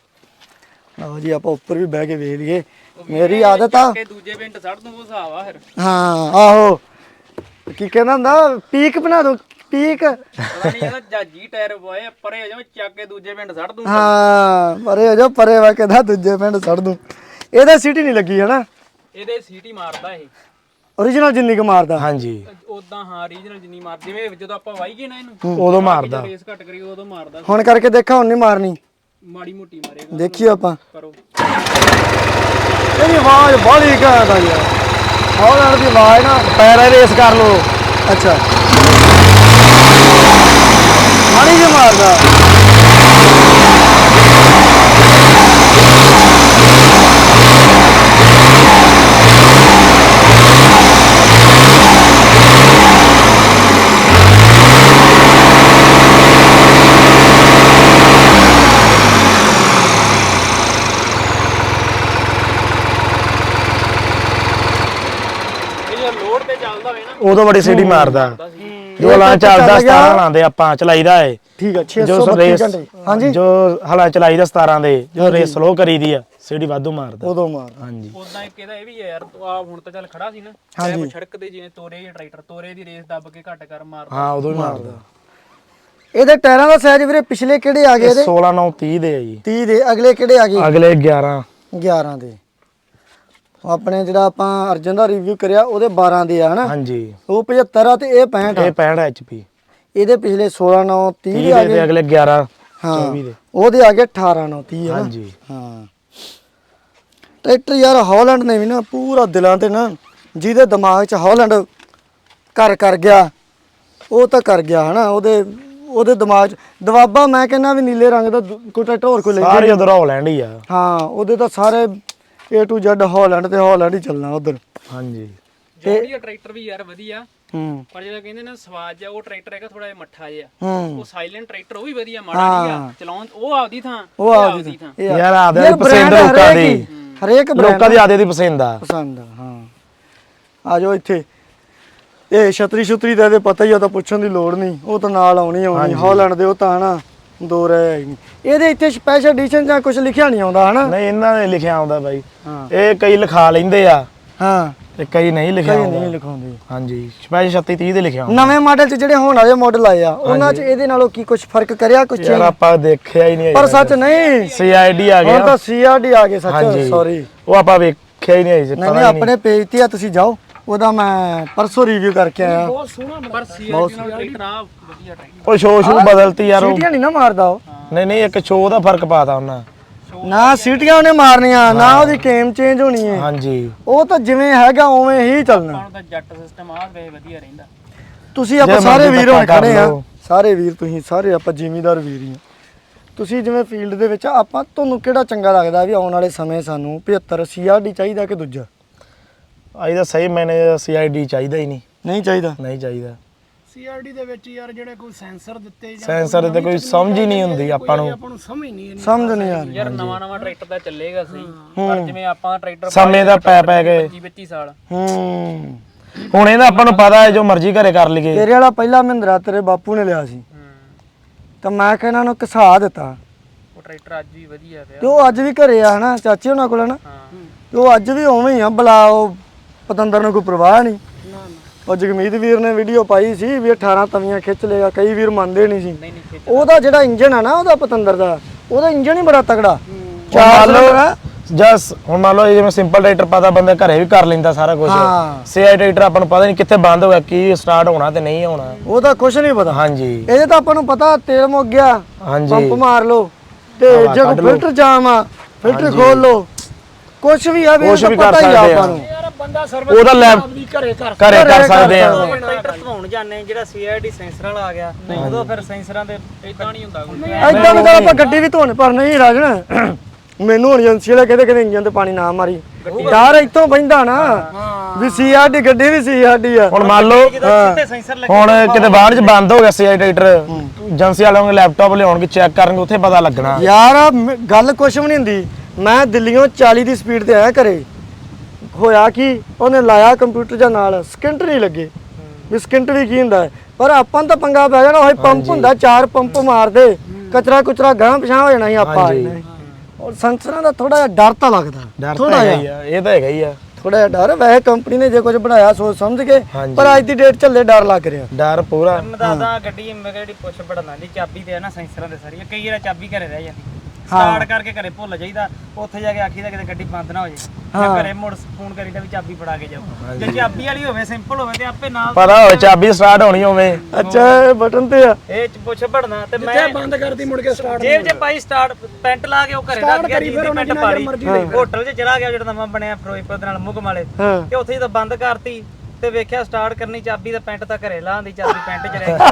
[SPEAKER 1] ਲਓ ਜੀ ਆਪਾਂ ਉੱਪਰ ਵੀ ਬਹਿ ਕੇ ਵੇਖ ਲਈਏ ਮੇਰੀ ਆਦਤ ਆ
[SPEAKER 4] ਕਿ ਦੂਜੇ ਪਿੰਡ ਸੜ ਦੂੰ ਉਹ ਹਿਸਾਬ ਆ ਫਿਰ
[SPEAKER 1] ਹਾਂ ਆਹੋ ਕੀ ਕਹਿੰਦਾ ਹੁੰਦਾ ਪੀਕ ਬਣਾ ਦੋ ਪੀਕ
[SPEAKER 4] ਪਤਾ ਨਹੀਂ ਇਹਦਾ ਜਾਜੀ ਟਾਇਰ ਪਵਾਏ ਪਰੇ ਹੋ ਜਾਵੇਂ ਚੱਕ ਕੇ ਦੂਜੇ ਪਿੰਡ ਸੜ ਦੂੰ
[SPEAKER 1] ਹਾਂ ਪਰੇ ਹੋ ਜਾ ਪਰੇ ਵਾ ਕਹਿੰਦਾ ਦੂਜੇ ਪਿੰਡ ਛੱਡ ਦੂੰ ਇਹਦੇ ਸੀਟੀ ਨਹੀਂ ਲੱਗੀ ਹਨਾ
[SPEAKER 4] ਇਹਦੇ ਸੀਟੀ ਮਾਰਦਾ ਇਹ
[SPEAKER 1] origignal ਜਿੰਨੀ ਕੁ ਮਾਰਦਾ
[SPEAKER 2] ਹਾਂਜੀ
[SPEAKER 4] ਉਦਾਂ ਹਾਂ ਰੀਜਨਲ ਜਿੰਨੀ ਮਾਰ ਜਿਵੇਂ ਜਦੋਂ ਆਪਾਂ ਵਾਈਏ ਨਾ ਇਹਨੂੰ
[SPEAKER 2] ਉਦੋਂ ਮਾਰਦਾ
[SPEAKER 4] ਰੇਸ ਘੱਟ ਕਰੀ ਉਦੋਂ ਮਾਰਦਾ
[SPEAKER 1] ਹੁਣ ਕਰਕੇ ਦੇਖਾ ਹੁਣ ਨਹੀਂ ਮਾਰਨੀ
[SPEAKER 4] ਮਾੜੀ ਮੋਟੀ ਮਾਰੇਗਾ
[SPEAKER 1] ਦੇਖੀਏ ਆਪਾਂ
[SPEAKER 4] ਕਰੋ
[SPEAKER 1] ਇਹਦੀ ਆਵਾਜ਼ ਬਾਹਲੀ ਘੈਂਟ ਆ ਯਾਰ ਹੌਲੈਂਡ ਦੀ ਆਵਾਜ਼ ਨਾ
[SPEAKER 2] ਪੈਰਾਂ ਰੇਸ ਕਰ ਲੋ
[SPEAKER 1] ਅੱਛਾ ਮਾੜੀ ਜਿਹੀ ਮਾਰਦਾ
[SPEAKER 4] ਇਹ ਜੇ ਲੋਡ ਤੇ ਚੱਲਦਾ ਹੋਵੇ ਨਾ
[SPEAKER 2] ਉਦੋਂ ਬੜੀ ਸੀਟੀ ਮਾਰਦਾ ਜੋ ਹਲਾਂ ਚੱਲਦਾ 17 ਲਾਉਂਦੇ ਆਪਾਂ ਚਲਾਈਦਾ ਏ
[SPEAKER 1] ਠੀਕ ਹੈ
[SPEAKER 2] ਜੋ
[SPEAKER 1] 632
[SPEAKER 2] ਰੇਸ
[SPEAKER 1] ਘੰਟੇ ਹਾਂਜੀ
[SPEAKER 2] ਜੋ ਹਲਾਂ ਚਲਾਈਦਾ 17 ਦੇ ਜੋ ਰੇਸ ਸਲੋ ਕਰੀਦੀ ਆ ਸੀਟੀ ਵਾਧੂ ਮਾਰਦਾ
[SPEAKER 1] ਉਦੋਂ ਮਾਰਦਾ
[SPEAKER 2] ਹਾਂਜੀ
[SPEAKER 4] ਉਦਾਂ ਇੱਕ ਇਹਦਾ ਇਹ ਵੀ ਹੈ ਯਾਰ ਤੂੰ ਆ ਹੁਣ ਤਾਂ ਚੱਲ ਖੜਾ ਸੀ ਨਾ ਹਾਂਜੀ ਸੜਕ ਤੇ ਜਿਵੇਂ ਤੋਰੇ ਜਾਂ ਟਰੈਕਟਰ ਤੋਰੇ ਦੀ ਰੇਸ ਦੱਬ ਕੇ ਘੱਟ ਕਰ ਮਾਰਦਾ
[SPEAKER 2] ਹਾਂ ਉਦੋਂ ਹੀ ਮਾਰਦਾ
[SPEAKER 1] ਇਹਦੇ ਟਾਇਰਾਂ ਦਾ ਸਾਈਜ਼ ਵੀਰੇ ਪਿਛਲੇ ਕਿਹੜੇ ਆ ਗਏ ਇਹਦੇ
[SPEAKER 2] 16 9 30 ਦੇ ਆ ਜੀ
[SPEAKER 1] 30 ਦੇ ਅਗਲੇ ਕਿਹੜੇ ਆ ਗਏ
[SPEAKER 2] ਅਗਲੇ 11
[SPEAKER 1] 11 ਦੇ ਆਪਣੇ ਜਿਹੜਾ ਆਪਾਂ ਅਰਜਨ ਦਾ ਰਿਵਿਊ ਕਰਿਆ ਉਹਦੇ 12 ਦੇ ਆ ਹਨਾ
[SPEAKER 2] ਹਾਂਜੀ
[SPEAKER 1] ਉਹ 75 ਆ ਤੇ ਇਹ 65 ਆ
[SPEAKER 2] ਇਹ 65 HP
[SPEAKER 1] ਇਹਦੇ ਪਿਛਲੇ 16 9 30
[SPEAKER 2] 30
[SPEAKER 1] ਦੇ ਆ
[SPEAKER 2] ਦੇ
[SPEAKER 1] ਗਏ
[SPEAKER 2] ਤੇ ਅਗਲੇ 11
[SPEAKER 1] ਹਾਂ
[SPEAKER 2] 24 ਦੇ
[SPEAKER 1] ਉਹਦੇ ਆ ਗਏ 18 9 30 ਹਨਾ
[SPEAKER 2] ਹਾਂਜੀ
[SPEAKER 1] ਹਾਂ ਟਰੈਕਟਰ ਯਾਰ ਹਾਲੈਂਡ ਨੇ ਵੀ ਨਾ ਪੂਰਾ ਦਿਲਾਂ ਤੇ ਨਾ ਜਿਹਦੇ ਦਿਮਾਗ 'ਚ ਹਾਲੈਂਡ ਕਰ ਗਿਆ ਉਹ ਤਾਂ ਕਰ ਗਿਆ ਹਨਾ ਉਹਦੇ ਦਿਮਾਗ 'ਚ ਦਵਾਬਾ ਮੈਂ ਕਹਿੰਦਾ ਵੀ ਨੀਲੇ ਰੰਗ ਦਾ ਕੋਈ ਟਰੈਕਟਰ ਹੋਰ ਕੋਈ ਲੈ
[SPEAKER 2] ਸਾਰੇ ਉਧਰ ਹਾਲੈਂਡ ਹੀ ਆ
[SPEAKER 1] ਹਾਂ ਉਹਦੇ ਤਾਂ ਸਾਰੇ A to Z ਹਾਲੈਂਡ ਤੇ ਹਾਲੈਂਡ ਹੀ ਚੱਲਣਾ ਉਧਰ
[SPEAKER 2] ਹਾਂਜੀ
[SPEAKER 4] ਜੋੜੀਆ ਟਰੈਕਟਰ ਵੀ ਯਾਰ ਵਧੀਆ
[SPEAKER 1] ਹੂੰ
[SPEAKER 4] ਪਰ ਜਿਹੜਾ ਕਹਿੰਦੇ ਨੇ ਸਵਾਦ ਜਿਹਾ ਉਹ ਟਰੈਕਟਰ ਹੈਗਾ ਥੋੜਾ ਜਿਹਾ ਮੱਠਾ ਜਿਹਾ
[SPEAKER 1] ਹੂੰ
[SPEAKER 4] ਉਹ ਸਾਇਲੈਂਟ ਟਰੈਕਟਰ ਉਹ ਵੀ ਵਧੀਆ ਮਾੜਾ ਨਹੀਂ ਆ ਚਲਾਉਣ ਉਹ ਆਪਦੀ ਥਾਂ
[SPEAKER 1] ਉਹ ਆਪਦੀ
[SPEAKER 4] ਥਾਂ
[SPEAKER 2] ਯਾਰ ਆਪਦੇ ਦੀ ਪਸੰਦ ਲੋਕਾਂ ਦੀ
[SPEAKER 1] ਹਰੇਕ
[SPEAKER 2] ਲੋਕਾਂ ਦੀ ਆਦੇ ਦੀ ਪਸੰਦ ਆ
[SPEAKER 1] ਪਸੰਦ ਆ ਹਾਂ ਆ ਜਾਓ ਇੱਥੇ ਇਹ ਛਤਰੀ ਦਾ ਇਹਦੇ ਪਤਾ ਹੀ ਆ ਤਾਂ ਪੁੱਛਣ ਦੀ ਲੋੜ ਨਹੀਂ ਉਹ ਤਾਂ ਨਾਲ ਆਉਣੀ ਹਾਲੈਂਡ ਦੇ ਉਹ ਤਾਂ ਹਨਾ ਦੋ ਰਹਿ ਹੀ ਨਹੀਂ ਇਹਦੇ ਇੱਥੇ ਸਪੈਸ਼ਲ ਐਡੀਸ਼ਨ ਜਾਂ ਕੁਝ ਲਿਖਿਆ ਨਹੀਂ ਆਉਂਦਾ ਹਨਾ
[SPEAKER 2] ਨਹੀਂ ਇਹਨਾਂ ਨੇ ਲਿਖਿਆ ਆਉਂਦਾ ਬਾਈ
[SPEAKER 1] ਹਾਂ
[SPEAKER 2] ਇਹ ਕਈ ਲਿਖਾ ਲੈਂਦੇ ਆ
[SPEAKER 1] ਹਾਂ
[SPEAKER 2] ਤੇ ਕਈ ਨਹੀਂ ਲਿਖਿਆ
[SPEAKER 1] ਕਈ
[SPEAKER 2] ਆਉਂਦਾ
[SPEAKER 1] ਨਹੀਂ ਲਿਖਾਉਂਦੇ
[SPEAKER 2] ਹਾਂਜੀ ਸਪੈਸ਼ਲ 36 30 ਦੇ ਲਿਖਿਆ ਆਉਂਦਾ
[SPEAKER 1] ਨਵੇਂ ਮਾਡਲ 'ਚ ਜਿਹੜੇ ਹੁਣ ਵਾਲੇ ਮਾਡਲ ਆਏ ਆ ਉਹਨਾਂ 'ਚ ਇਹਦੇ ਨਾਲੋਂ ਕੀ ਕੁਝ ਫਰਕ ਕਰਿਆ ਕੁਝ
[SPEAKER 2] ਯਾਰ ਆਪਾਂ ਦੇਖਿਆ ਹੀ ਨਹੀਂ
[SPEAKER 1] ਪਰ ਸੱਚ ਨਹੀਂ
[SPEAKER 2] CID ਆ
[SPEAKER 1] ਹੁਣ
[SPEAKER 2] ਗਿਆ
[SPEAKER 1] ਤਾਂ CRD ਆ ਗਏ ਸੱਚ ਸੌਰੀ
[SPEAKER 2] ਉਹ ਆਪਾਂ ਵੇਖਿਆ ਹੀ ਨਹੀਂ
[SPEAKER 1] ਨਹੀਂ ਨਹੀਂ ਆਪਣੇ ਪੇਜ ਤੇ ਆ ਤੁਸੀਂ ਜਾਓ ਉਹਦਾ ਮੈਂ ਪਰਸੋਂ ਰਿਵਿਊ ਕਰਕੇ ਆਇਆ
[SPEAKER 3] ਬਹੁਤ ਸੋਹਣਾ
[SPEAKER 4] ਪਰ CRD ਨਾਲ ਟਰੈਕਟਰ ਆ ਵਧੀਆ ਟਰੈਕਟਰ
[SPEAKER 2] ਉਹ ਸ਼ੋ ਬਦਲਤੀ ਯਾਰ ਉਹ
[SPEAKER 1] ਸੀਟੀਆਂ ਨਹੀਂ ਨਾ ਮਾਰਦਾ ਉਹ
[SPEAKER 2] ਨਹੀਂ ਇੱਕ ਸ਼ੋ ਦਾ ਫਰਕ ਪਾਤਾ ਉਹਨਾਂ
[SPEAKER 1] ਨਾ ਸੀਟੀਆਂ ਉਹਨੇ ਮਾਰਨੀਆਂ ਨਾ ਉਹਦੀ ਕੇਮ ਚੇਂਜ ਹੋਣੀ ਹੈ
[SPEAKER 2] ਹਾਂਜੀ
[SPEAKER 1] ਉਹ ਤਾਂ ਜਿਵੇਂ ਹੈਗਾ ਉਵੇਂ ਹੀ ਚੱਲਣਾ
[SPEAKER 4] ਆਪਾਂ ਨੂੰ ਤਾਂ ਜੱਟ ਸਿਸਟਮ ਆ ਵੇ ਵਧੀਆ ਰਹਿੰਦਾ
[SPEAKER 1] ਤੁਸੀਂ ਆਪਾਂ ਸਾਰੇ ਵੀਰ ਹੁਣ ਖੜੇ ਆ ਸਾਰੇ ਵੀਰ ਤੁਸੀਂ ਸਾਰੇ ਆਪਾਂ ਜ਼ਿਮੀਦਾਰ ਵੀਰ ਹੀ ਆ ਤੁਸੀਂ ਜਿਵੇਂ ਫੀਲਡ ਦੇ ਵਿੱਚ ਆਪਾਂ ਤੁਹਾਨੂੰ ਕਿਹੜਾ ਚੰਗਾ ਲੱਗਦਾ ਵੀ ਆਉਣ ਵਾਲੇ ਸਮੇਂ ਸਾਨੂੰ 75 CRD ਚਾਹੀਦਾ ਕਿ ਦੂਜਾ
[SPEAKER 2] ਆਈ ਤਾਂ ਸਹੀ ਮੈਨੇ CID ਚਾਹੀਦਾ ਹੀ
[SPEAKER 1] ਨਹੀਂ ਚਾਹੀਦਾ
[SPEAKER 2] ਨਹੀਂ ਚਾਹੀਦਾ
[SPEAKER 3] CRD ਦੇ ਵਿੱਚ ਯਾਰ ਜਿਹੜੇ ਕੋਈ ਸੈਂਸਰ ਦਿੱਤੇ ਜਾਂ
[SPEAKER 2] ਸੈਂਸਰ ਤੇ ਕੋਈ ਸਮਝ ਹੀ ਨਹੀਂ ਹੁੰਦੀ ਆਪਾਂ ਨੂੰ
[SPEAKER 3] ਆਪਾਂ ਨੂੰ ਸਮਝ ਨਹੀਂ ਆਉਂਦੀ
[SPEAKER 1] ਸਮਝ ਨਹੀਂ ਆ ਰਹੀ
[SPEAKER 4] ਯਾਰ ਨਵਾਂ ਟਰੈਕਟਰ ਤਾਂ ਚੱਲੇਗਾ ਸਹੀ ਪਰ ਜਿਵੇਂ ਆਪਾਂ ਟਰੈਕਟਰ
[SPEAKER 2] ਸਮੇਂ ਦਾ ਪੈ ਕੇ
[SPEAKER 4] 25 ਸਾਲ
[SPEAKER 1] ਹੂੰ
[SPEAKER 2] ਹੁਣ ਇਹਦਾ ਆਪਾਂ ਨੂੰ ਪਤਾ ਹੈ ਜੋ ਮਰਜ਼ੀ ਘਰੇ ਕਰ ਲਈਏ
[SPEAKER 1] ਤੇਰੇ ਵਾਲਾ ਪਹਿਲਾ ਮਹਿੰਦਰਾ ਤੇਰੇ ਬਾਪੂ ਨੇ ਲਿਆ ਸੀ ਤਾਂ ਮੈਂ ਕਿਹਾ ਇਹਨਾਂ ਨੂੰ ਘਸਾ ਦਿੱਤਾ
[SPEAKER 4] ਉਹ ਟਰੈਕਟਰ ਅੱਜ ਵੀ ਵਧੀਆ ਪਿਆ
[SPEAKER 1] ਤੇ ਉਹ ਅੱਜ ਵੀ ਘਰੇ ਆ ਹਨਾ ਚਾਚੇ ਉਹਨਾਂ ਕੋਲ ਹਨਾ
[SPEAKER 4] ਹਾਂ
[SPEAKER 1] ਤੇ ਉਹ ਅੱਜ ਵੀ ਉਵੇਂ ਹੀ ਆ ਬਲਾ ਉਹ ਪਤੰਦਰ ਨੂੰ ਕੋਈ ਪਰਵਾਹ ਨਹੀਂ ਉਹ ਜਗਮੀਤ ਵੀਰ ਨੇ ਵੀਡੀਓ ਪਾਈ ਸੀ ਵੀ 18 ਤਵੀਆਂ ਖਿੱਚ ਲੇਗਾ ਕਈ ਵੀਰ ਮੰਨਦੇ ਨਹੀਂ ਸੀ
[SPEAKER 4] ਨਹੀਂ ਖਿੱਚ
[SPEAKER 1] ਉਹਦਾ ਜਿਹੜਾ ਇੰਜਨ ਆ ਨਾ ਉਹਦਾ ਪਤੰਦਰ ਦਾ ਉਹਦਾ ਇੰਜਨ ਹੀ ਬੜਾ ਤਗੜਾ
[SPEAKER 2] ਮੰਨ ਲਓ ਜਸ ਹੁਣ ਮੰਨ ਲਓ ਜਿਵੇਂ ਸਿੰਪਲ ਟਰੈਕਟਰ ਪਤਾ ਬੰਦਾ ਘਰੇ ਵੀ ਕਰ ਲੈਂਦਾ ਸਾਰਾ ਕੁਝ
[SPEAKER 1] ਹਾਂ
[SPEAKER 2] CID ਟਰੈਕਟਰ ਆਪਾਂ ਨੂੰ ਪਤਾ ਨਹੀਂ ਕਿੱਥੇ ਬੰਦ ਹੋ ਗਿਆ ਕੀ ਸਟਾਰਟ ਹੋਣਾ ਤੇ ਨਹੀਂ ਹੋਣਾ
[SPEAKER 1] ਉਹਦਾ ਕੁਝ ਨਹੀਂ ਪਤਾ
[SPEAKER 2] ਹਾਂਜੀ
[SPEAKER 1] ਇਹਦੇ ਤਾਂ ਆਪਾਂ ਨੂੰ ਪਤਾ ਤੇਲ ਮੁੱਕ ਗਿਆ
[SPEAKER 2] ਹਾਂਜੀ
[SPEAKER 1] ਪੰਪ ਮਾਰ ਲਓ ਤੇ ਜੇ ਕੋਈ ਫਿਲਟਰ ਜਾਮ ਆ ਫਿਲਟਰ ਖੋਲ ਲਓ ਕੁਝ ਵੀ ਆ ਵੀ
[SPEAKER 2] ਕੁਛ ਵੀ ਕਰ
[SPEAKER 1] ਪਤਾ ਹੀ ਆ
[SPEAKER 2] ਸਕਦੇ ਆ।
[SPEAKER 1] ਆਪਾਂ ਨੂੰ
[SPEAKER 3] ਯਾਰ ਬੰਦਾ ਸਰਵਿਸ
[SPEAKER 2] ਉਹਦਾ ਲੈਬ
[SPEAKER 3] ਆਪਦੀ ਘਰੇ ਕਰ
[SPEAKER 2] ਘਰੇ ਕਰ ਸਕਦੇ ਆ
[SPEAKER 5] ਟਰੈਕਟਰ ਧਵਾਉਣ ਜਾਂਦੇ ਜਿਹੜਾ CID ਸੈਂਸਰ ਵਾਲਾ ਆ ਗਿਆ ਉਦੋਂ ਫਿਰ ਸੈਂਸਰਾਂ ਦੇ
[SPEAKER 4] ਇਦਾਂ ਨਹੀਂ ਹੁੰਦਾ ਕੋਈ
[SPEAKER 1] ਐਦਾਂ ਵੀ ਤਾਂ ਆਪਾਂ ਗੱਡੀ ਵੀ ਧੋਣ ਪਰ ਨਹੀਂ ਰਾਜਣ ਮੈਨੂੰ ਹੁਣ ਏਜੰਸੀ ਵਾਲੇ ਕਹਿੰਦੇ ਇੰਜਨ ਤੇ ਪਾਣੀ ਨਾ ਮਾਰੀ ਡਰ ਇੱਥੋਂ ਬੈਂਦਾ ਨਾ ਵੀ CRD ਗੱਡੀ ਵੀ CRD ਆ
[SPEAKER 2] ਹੁਣ ਮੰਨ ਲਓ
[SPEAKER 5] ਸਿੱਧੇ ਸੈਂਸਰ ਲੱਗੇ
[SPEAKER 2] ਹੁਣ ਕਿਤੇ ਬਾਹਰ ਚ ਬੰਦ ਹੋ ਗਿਆ CID ਟਰੈਕਟਰ ਏਜੰਸੀ ਵਾਲਿਆਂ ਨੂੰ ਲੈਪਟਾਪ ਲਿਆਉਣਗੇ ਚੈੱਕ ਕਰਨਗੇ ਉੱਥੇ ਪਤਾ ਲੱਗਣਾ
[SPEAKER 1] ਯਾਰ ਗੱਲ ਕੁਛ ਵੀ ਨਹੀਂ ਹੁੰਦੀ ਮੈਂ ਦਿੱਲੀੋਂ 40 ਦੀ ਸਪੀਡ ਤੇ ਆਇਆ ਘਰੇ ਹੋਇਆ ਕੀ ਉਹਨੇ ਲਾਇਆ ਕੰਪਿਊਟਰ ਜਾਂ ਨਾਲ ਸਕਿੰਟ ਨਹੀਂ ਲੱਗੇ ਵੀ ਸਕਿੰਟ ਵੀ ਕੀ ਹੁੰਦਾ ਪਰ ਆਪਾਂ ਨੂੰ ਤਾਂ ਪੰਗਾ ਪੈ ਜਾਣਾ ਉਹ ਪੰਪ ਹੁੰਦਾ 4 ਪੰਪ ਮਾਰਦੇ ਕਚਰਾ ਗਾਂ ਪਿਛਾਂ ਹੋ ਜਾਣਾ ਸੀ ਆਪਾਂ ਔਰ ਸੈਂਸਰਾਂ ਦਾ ਥੋੜਾ ਜਿਹਾ ਡਰ ਤਾਂ ਲੱਗਦਾ
[SPEAKER 2] ਡਰ ਤਾਂ ਹੈਗਾ ਹੀ ਆ ਇਹ ਤਾਂ ਹੈਗਾ ਹੀ ਆ
[SPEAKER 1] ਥੋੜਾ ਜਿਹਾ ਡਰ ਵੈਸੇ ਕੰਪਨੀ ਨੇ ਜੇ ਕੁਝ ਬਣਾਇਆ ਸੋਚ ਸਮਝ ਕੇ ਪਰ ਅੱਜ ਦੀ ਡੇਟ ਚੱਲੇ ਡਰ ਲੱਗ ਰਿਹਾ
[SPEAKER 2] ਡਰ ਪੂਰਾ
[SPEAKER 5] ਮੈਂ ਦੱਸਦਾ ਗੱਡੀ ਮੈਂ ਜਿਹੜੀ ਪੁੱਛ ਪੜਨਾ ਦੀ ਚਾਬੀ ਤੇ ਆ ਨਾ ਸੈਂਸਰਾਂ ਦੇ ਸਾਰੀਆਂ ਕਈ ਵਾਰ ਚਾਬੀ ਘਰੇ ਰਹਿ ਜਾਂਦੀ ਸਟਾਰਟ ਕਰਕੇ ਘਰੇ ਭੁੱਲ ਜਾਈਦਾ ਉੱਥੇ ਜਾ ਕੇ ਆਖੀਦਾ ਕਿਤੇ ਗੱਡੀ ਬੰਦ ਨਾ ਹੋ ਜਾਏ ਮੈਂ ਘਰੇ ਮੁੜ ਫੋਨ ਕਰੀਦਾ ਵੀ ਚਾਬੀ ਫੜਾ ਕੇ ਜਾਓ ਜੇ ਚਾਬੀ ਵਾਲੀ ਹੋਵੇ ਸਿੰਪਲ ਹੋਵੇ ਤੇ ਆਪੇ ਨਾਲ
[SPEAKER 2] ਪਤਾ ਹੋਵੇ ਚਾਬੀ ਸਟਾਰਟ ਹੋਣੀ ਹੋਵੇ
[SPEAKER 1] ਅੱਛਾ ਇਹ ਬਟਨ ਤੇ ਆ
[SPEAKER 5] ਇਹ ਪੁੱਛ ਪੜਨਾ ਤੇ ਮੈਂ
[SPEAKER 3] ਬੰਦ ਕਰਦੀ ਮੁੜ ਕੇ ਸਟਾਰਟ
[SPEAKER 5] ਜੇਬ 'ਚ ਪਾਈ ਸਟਾਰਟ ਪੈਂਟ ਲਾ ਕੇ ਉਹ ਘਰੇ ਰੱਖ ਗਿਆ ਜੀ ਦੀ ਪੈਂਟ ਪਾ ਲਈ ਹੋਟਲ 'ਚ ਚਲਾ ਗਿਆ ਜਿਹੜਾ ਨਵਾਂ ਬਣਿਆ ਫਿਰੋਜ਼ਪੁਰ ਦੇ ਨਾਲ ਮੁਗਮ ਵਾਲੇ ਤੇ ਉੱਥੇ ਜਦੋਂ ਬੰਦ ਕਰਤੀ ਤੇ ਵੇਖਿਆ ਸਟਾਰਟ ਕਰਨੀ ਚਾਬੀ ਦਾ ਪੈਂਟ ਤਾਂ ਘਰੇ ਲਾਉਂਦੀ ਚਾਬੀ ਪੈਂਟ 'ਚ ਰਹਿ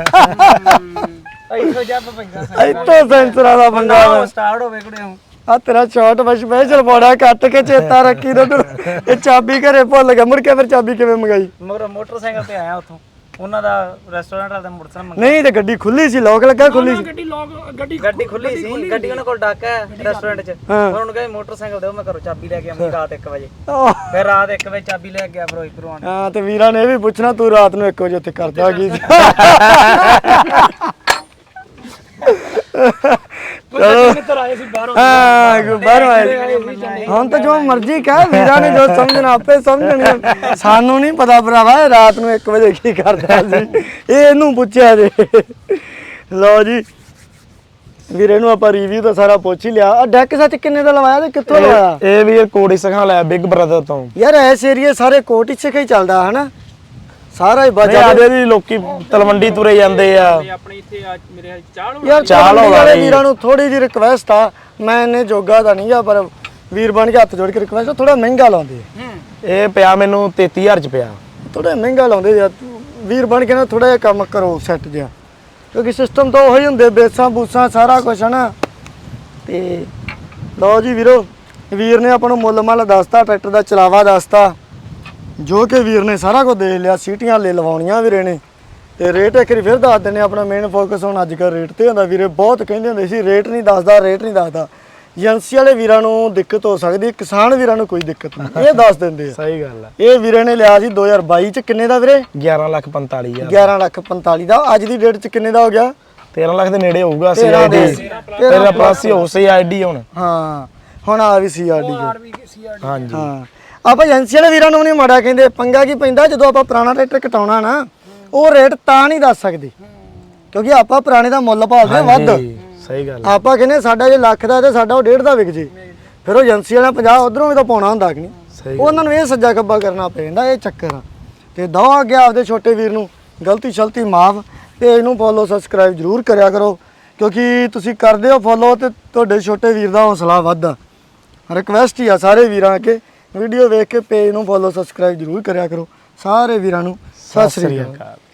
[SPEAKER 5] ਗਈ ਇੱਥੋਂ ਜੱਬ ਪੈਂਦਾ
[SPEAKER 1] ਇੱਥੋਂ ਸੈਂਸਰਾਂ ਦਾ ਪੰਗਾ ਵਾ
[SPEAKER 5] ਸਟਾਰਟ ਹੋਵੇ ਕੁੜੇ
[SPEAKER 1] ਆ ਤੇਰਾ ਸ਼ਾਟ ਵਸ਼ ਸਪੈਸ਼ਲ ਬੋੜਾ ਕੱਟ ਕੇ ਚੇਤਾ ਰੱਖੀ ਤੇ ਇਹ ਚਾਬੀ ਘਰੇ ਭੁੱਲ ਗਿਆ ਮੁੜ ਕੇ ਫਿਰ ਚਾਬੀ ਕਿਵੇਂ ਮੰਗਾਈ
[SPEAKER 5] ਮੋਟਰਸਾਈਕਲ ਤੇ ਆਇਆ ਉੱਥੋਂ ਉਹਨਾਂ ਦਾ ਰੈਸਟੋਰੈਂਟ ਵਾਲਾ ਮੋਟਰਸਾਈਕਲ ਮੰਗਿਆ
[SPEAKER 1] ਨਹੀਂ ਤੇ ਗੱਡੀ ਖੁੱਲੀ ਸੀ ਲੋਕ ਲੱਗਾ ਖੁੱਲੀ ਸੀ
[SPEAKER 5] ਗੱਡੀ ਖੁੱਲੀ ਸੀ ਗੱਡੀ ਉਹਨਾਂ ਕੋਲ ਡਾਕਾ ਹੈ ਰੈਸਟੋਰੈਂਟ 'ਚ ਉਹਨਾਂ ਨੂੰ ਕਹਿੰਦੇ ਮੋਟਰਸਾਈਕਲ ਦਿਓ ਮੈਂ ਘਰੋਂ ਚਾਬੀ ਲੈ ਕੇ ਆਉਂਗੀ ਰਾਤ 1 ਵਜੇ ਫਿਰ ਰਾਤ 1 ਵਜੇ ਚਾਬੀ ਲੈ ਕੇ ਗਿਆ ਫਿਰੋਜ਼ਪੁਰੋਂ ਆਣ
[SPEAKER 1] ਹਾਂ ਤੇ ਵੀਰਾਂ ਨੇ ਇਹ ਵੀ ਪੁੱਛਣਾ ਤੂੰ ਰਾਤ ਨੂੰ 1 ਵਜੇ ਉੱਥੇ ਕਰਦਾ ਕੀ ਸੀ ਬਾਹਰੋਂ ਆਏ ਹੁਣ ਤਾਂ ਜੋ ਮਰਜ਼ੀ ਕਹਿ ਵੀਰਾਂ ਨੇ ਜੋ ਸਮਝਣਾ ਆਪੇ ਸਮਝਣਗੇ ਸਾਨੂੰ ਨਹੀਂ ਪਤਾ ਭਰਾਵਾ ਇਹ ਰਾਤ ਨੂੰ 1 ਵਜੇ ਕੀ ਕਰਦਾ ਸੀ ਇਹ ਇਹਨੂੰ ਪੁੱਛਿਆ ਜੇ ਲਓ ਜੀ ਵੀਰੇ ਨੂੰ ਆਪਾਂ ਰਿਵਿਊ ਤਾਂ ਸਾਰਾ ਪੁੱਛ ਹੀ ਲਿਆ ਆ ਡੈਕ ਸੱਚ ਕਿੰਨੇ ਦਾ ਲਵਾਇਆ ਤੇ ਕਿੱਥੋਂ ਲਵਾਇਆ
[SPEAKER 2] ਇਹ ਵੀ ਇਹ ਕੋੜੀ ਸਿਖਾ ਲਿਆ ਬਿਗ ਬ੍ਰਦਰ ਤੋਂ
[SPEAKER 1] ਯਾਰ ਐਸ ਏਰੀਏ ਸਾਰੇ ਕੋਟ ਹੀ ਸਿੱਖੇ ਚੱਲਦਾ ਹਨਾ ਸਾਰਾ ਹੀ ਬਾਜਾ
[SPEAKER 2] ਆਦੇ ਦੀ ਲੋਕੀ ਤਲਵੰਡੀ ਤੁਰੇ ਜਾਂਦੇ ਆ
[SPEAKER 4] ਆਪਣੇ ਇੱਥੇ ਅੱਜ ਮੇਰੇ ਚਾਲ
[SPEAKER 1] ਯਾਰ ਚਾਲ ਵਾਲੇ ਵੀਰਾਂ ਨੂੰ ਥੋੜੀ ਜਿਹੀ ਰਿਕਵੈਸਟ ਆ ਮੈਂ ਇਹਨੇ ਜੋਗਾ ਦਾ ਨਹੀਂ ਆ ਪਰ ਵੀਰ ਬਣ ਕੇ ਹੱਥ ਜੋੜ ਕੇ ਰਿਕਵੈਸਟ ਥੋੜਾ ਮਹਿੰਗਾ ਲਾਉਂਦੇ
[SPEAKER 2] ਇਹ ਪਿਆ ਮੈਨੂੰ 33000 ਚ ਪਿਆ
[SPEAKER 1] ਥੋੜਾ ਮਹਿੰਗਾ ਲਾਉਂਦੇ ਯਾਰ ਵੀਰ ਬਣ ਕੇ ਨਾ ਥੋੜਾ ਜਿਹਾ ਕੰਮ ਕਰੋ ਸੈੱਟ ਜਿਹਾ ਕਿਉਂਕਿ ਸਿਸਟਮ ਤਾਂ ਉਹੀ ਹੁੰਦੇ ਬੇਸਾਂ ਬੂਸਾਂ ਸਾਰਾ ਕੁਝ ਹਨਾ ਤੇ ਲਓ ਜੀ ਵੀਰੋ ਵੀਰ ਨੇ ਆਪਾਂ ਨੂੰ ਮੁੱਲ ਮੱਲ ਦੱਸਤਾ ਟਰੈਕਟਰ ਦਾ ਚਲਾਵਾ ਦੱਸਤਾ ਜੋ ਕਿ ਵੀਰ ਨੇ ਸਾਰਾ ਕੁਝ ਦੇਖ ਲਿਆ, ਸੀਟੀਆਂ ਲੈ ਲਵਾਉਣੀਆਂ ਵੀਰੇ ਨੇ। ਤੇ ਰੇਟ ਇੱਕ ਵਾਰੀ ਫਿਰ ਦੱਸ ਦਿੰਦੇ, ਆਪਣਾ ਮੇਨ ਫੋਕਸ ਹੁਣ ਅੱਜ ਕੱਲ੍ਹ ਰੇਟ ਤੇ ਹੁੰਦਾ। ਵੀਰੇ ਬਹੁਤ ਕਹਿੰਦੇ ਹੁੰਦੇ ਸੀ ਰੇਟ ਨਹੀਂ ਦੱਸਦਾ, ਰੇਟ ਨਹੀਂ ਦੱਸਦਾ। ਏਜੰਸੀ ਵਾਲੇ ਵੀਰਾਂ ਨੂੰ ਦਿੱਕਤ ਹੋ ਸਕਦੀ, ਕਿਸਾਨ ਵੀਰਾਂ ਨੂੰ ਕੋਈ ਦਿੱਕਤ ਨਹੀਂ, ਇਹ ਦੱਸ ਦਿੰਦੇ ਆ।
[SPEAKER 2] ਸਹੀ ਗੱਲ ਆ।
[SPEAKER 1] ਇਹ ਵੀਰੇ ਨੇ ਲਿਆ ਸੀ 2022 ਚ ਕਿੰਨੇ ਦਾ ਵੀਰੇ?
[SPEAKER 2] 11,45,000
[SPEAKER 1] 11,45,000 ਦਾ। ਅੱਜ ਦੀ ਡੇਟ ਚ ਕਿੰਨੇ ਦਾ ਹੋ ਗਿਆ?
[SPEAKER 2] 13 ਲੱਖ ਦੇ ਨੇੜੇ ਹੋਊਗਾ ਸੀਆਈਡੀ, ਤੇਰਾ ਪਲੱਸ ਹੀ ਹੋ ਸੀਆਈਡੀ ਹੁਣ।
[SPEAKER 1] ਹਾਂ ਹੁਣ ਆ ਵੀ ਸੀਆਰਡੀ
[SPEAKER 2] ਹਾਂਜੀ
[SPEAKER 1] ਹਾਂ। ਆਪਾਂ ਏਜੰਸੀ ਵਾਲੇ ਵੀਰਾਂ ਨੂੰ ਨਹੀਂ ਮਾੜਾ ਕਹਿੰਦੇ। ਪੰਗਾ ਕੀ ਪੈਂਦਾ ਜਦੋਂ ਆਪਾਂ ਪੁਰਾਣਾ ਟਰੈਕਟਰ ਕਟਾਉਣਾ ਨਾ, ਉਹ ਰੇਟ ਤਾਂ ਨਹੀਂ ਦੱਸ ਸਕਦੇ ਕਿਉਂਕਿ ਆਪਾਂ ਪੁਰਾਣੇ ਦਾ ਮੁੱਲ ਭਾਲਦੇ ਆ ਵੱਧ।
[SPEAKER 2] ਸਹੀ ਗੱਲ।
[SPEAKER 1] ਆਪਾਂ ਕਹਿੰਦੇ ਸਾਡਾ ਜੇ ਲੱਖ ਦਾ ਤੇ ਸਾਡਾ ਉਹ 1.5 ਦਾ ਵਿਕ ਜੇ, ਫਿਰ ਉਹ ਏਜੰਸੀ ਵਾਲਾ 50 ਉਧਰੋਂ ਵੀ ਤਾਂ ਪਾਉਣਾ ਹੁੰਦਾ ਕਿ ਨਹੀਂ। ਉਹਨਾਂ ਨੂੰ ਇਹ ਸੱਜਾ ਖੱਬਾ ਕਰਨਾ ਪੈਂਦਾ, ਇਹ ਚੱਕਰ ਆ। ਤੇ ਦੋ ਅੱਗੇ ਆਪਦੇ ਛੋਟੇ ਵੀਰ ਨੂੰ ਗਲਤੀ ਸ਼ਲਤੀ ਮਾਫ, ਤੇ ਇਹਨੂੰ ਫੋਲੋ ਸਬਸਕ੍ਰਾਈਬ ਜ਼ਰੂਰ ਕਰਿਆ ਕਰੋ ਕਿਉਂਕਿ ਤੁਸੀਂ ਕਰਦੇ ਹੋ ਫੋਲੋ ਤੇ ਤੁਹਾਡੇ ਛੋਟੇ ਵੀਰ ਦਾ ਹੌਸਲਾ ਵੱਧਦਾ। ਰਿਕਵੈਸਟ ਹੀ ਆ ਸਾਰੇ ਵੀਰਾਂ ਅੱਗੇ, ਵੀਡੀਓ ਵੇਖ ਕੇ ਪੇਜ ਨੂੰ ਫੋਲੋ ਸਬਸਕ੍ਰਾਈਬ ਜ਼ਰੂਰ ਕਰਿਆ ਕਰੋ। ਸਾਰੇ ਵੀਰਾਂ ਨੂੰ ਸਤਿ ਸ੍ਰੀ ਅਕਾਲ।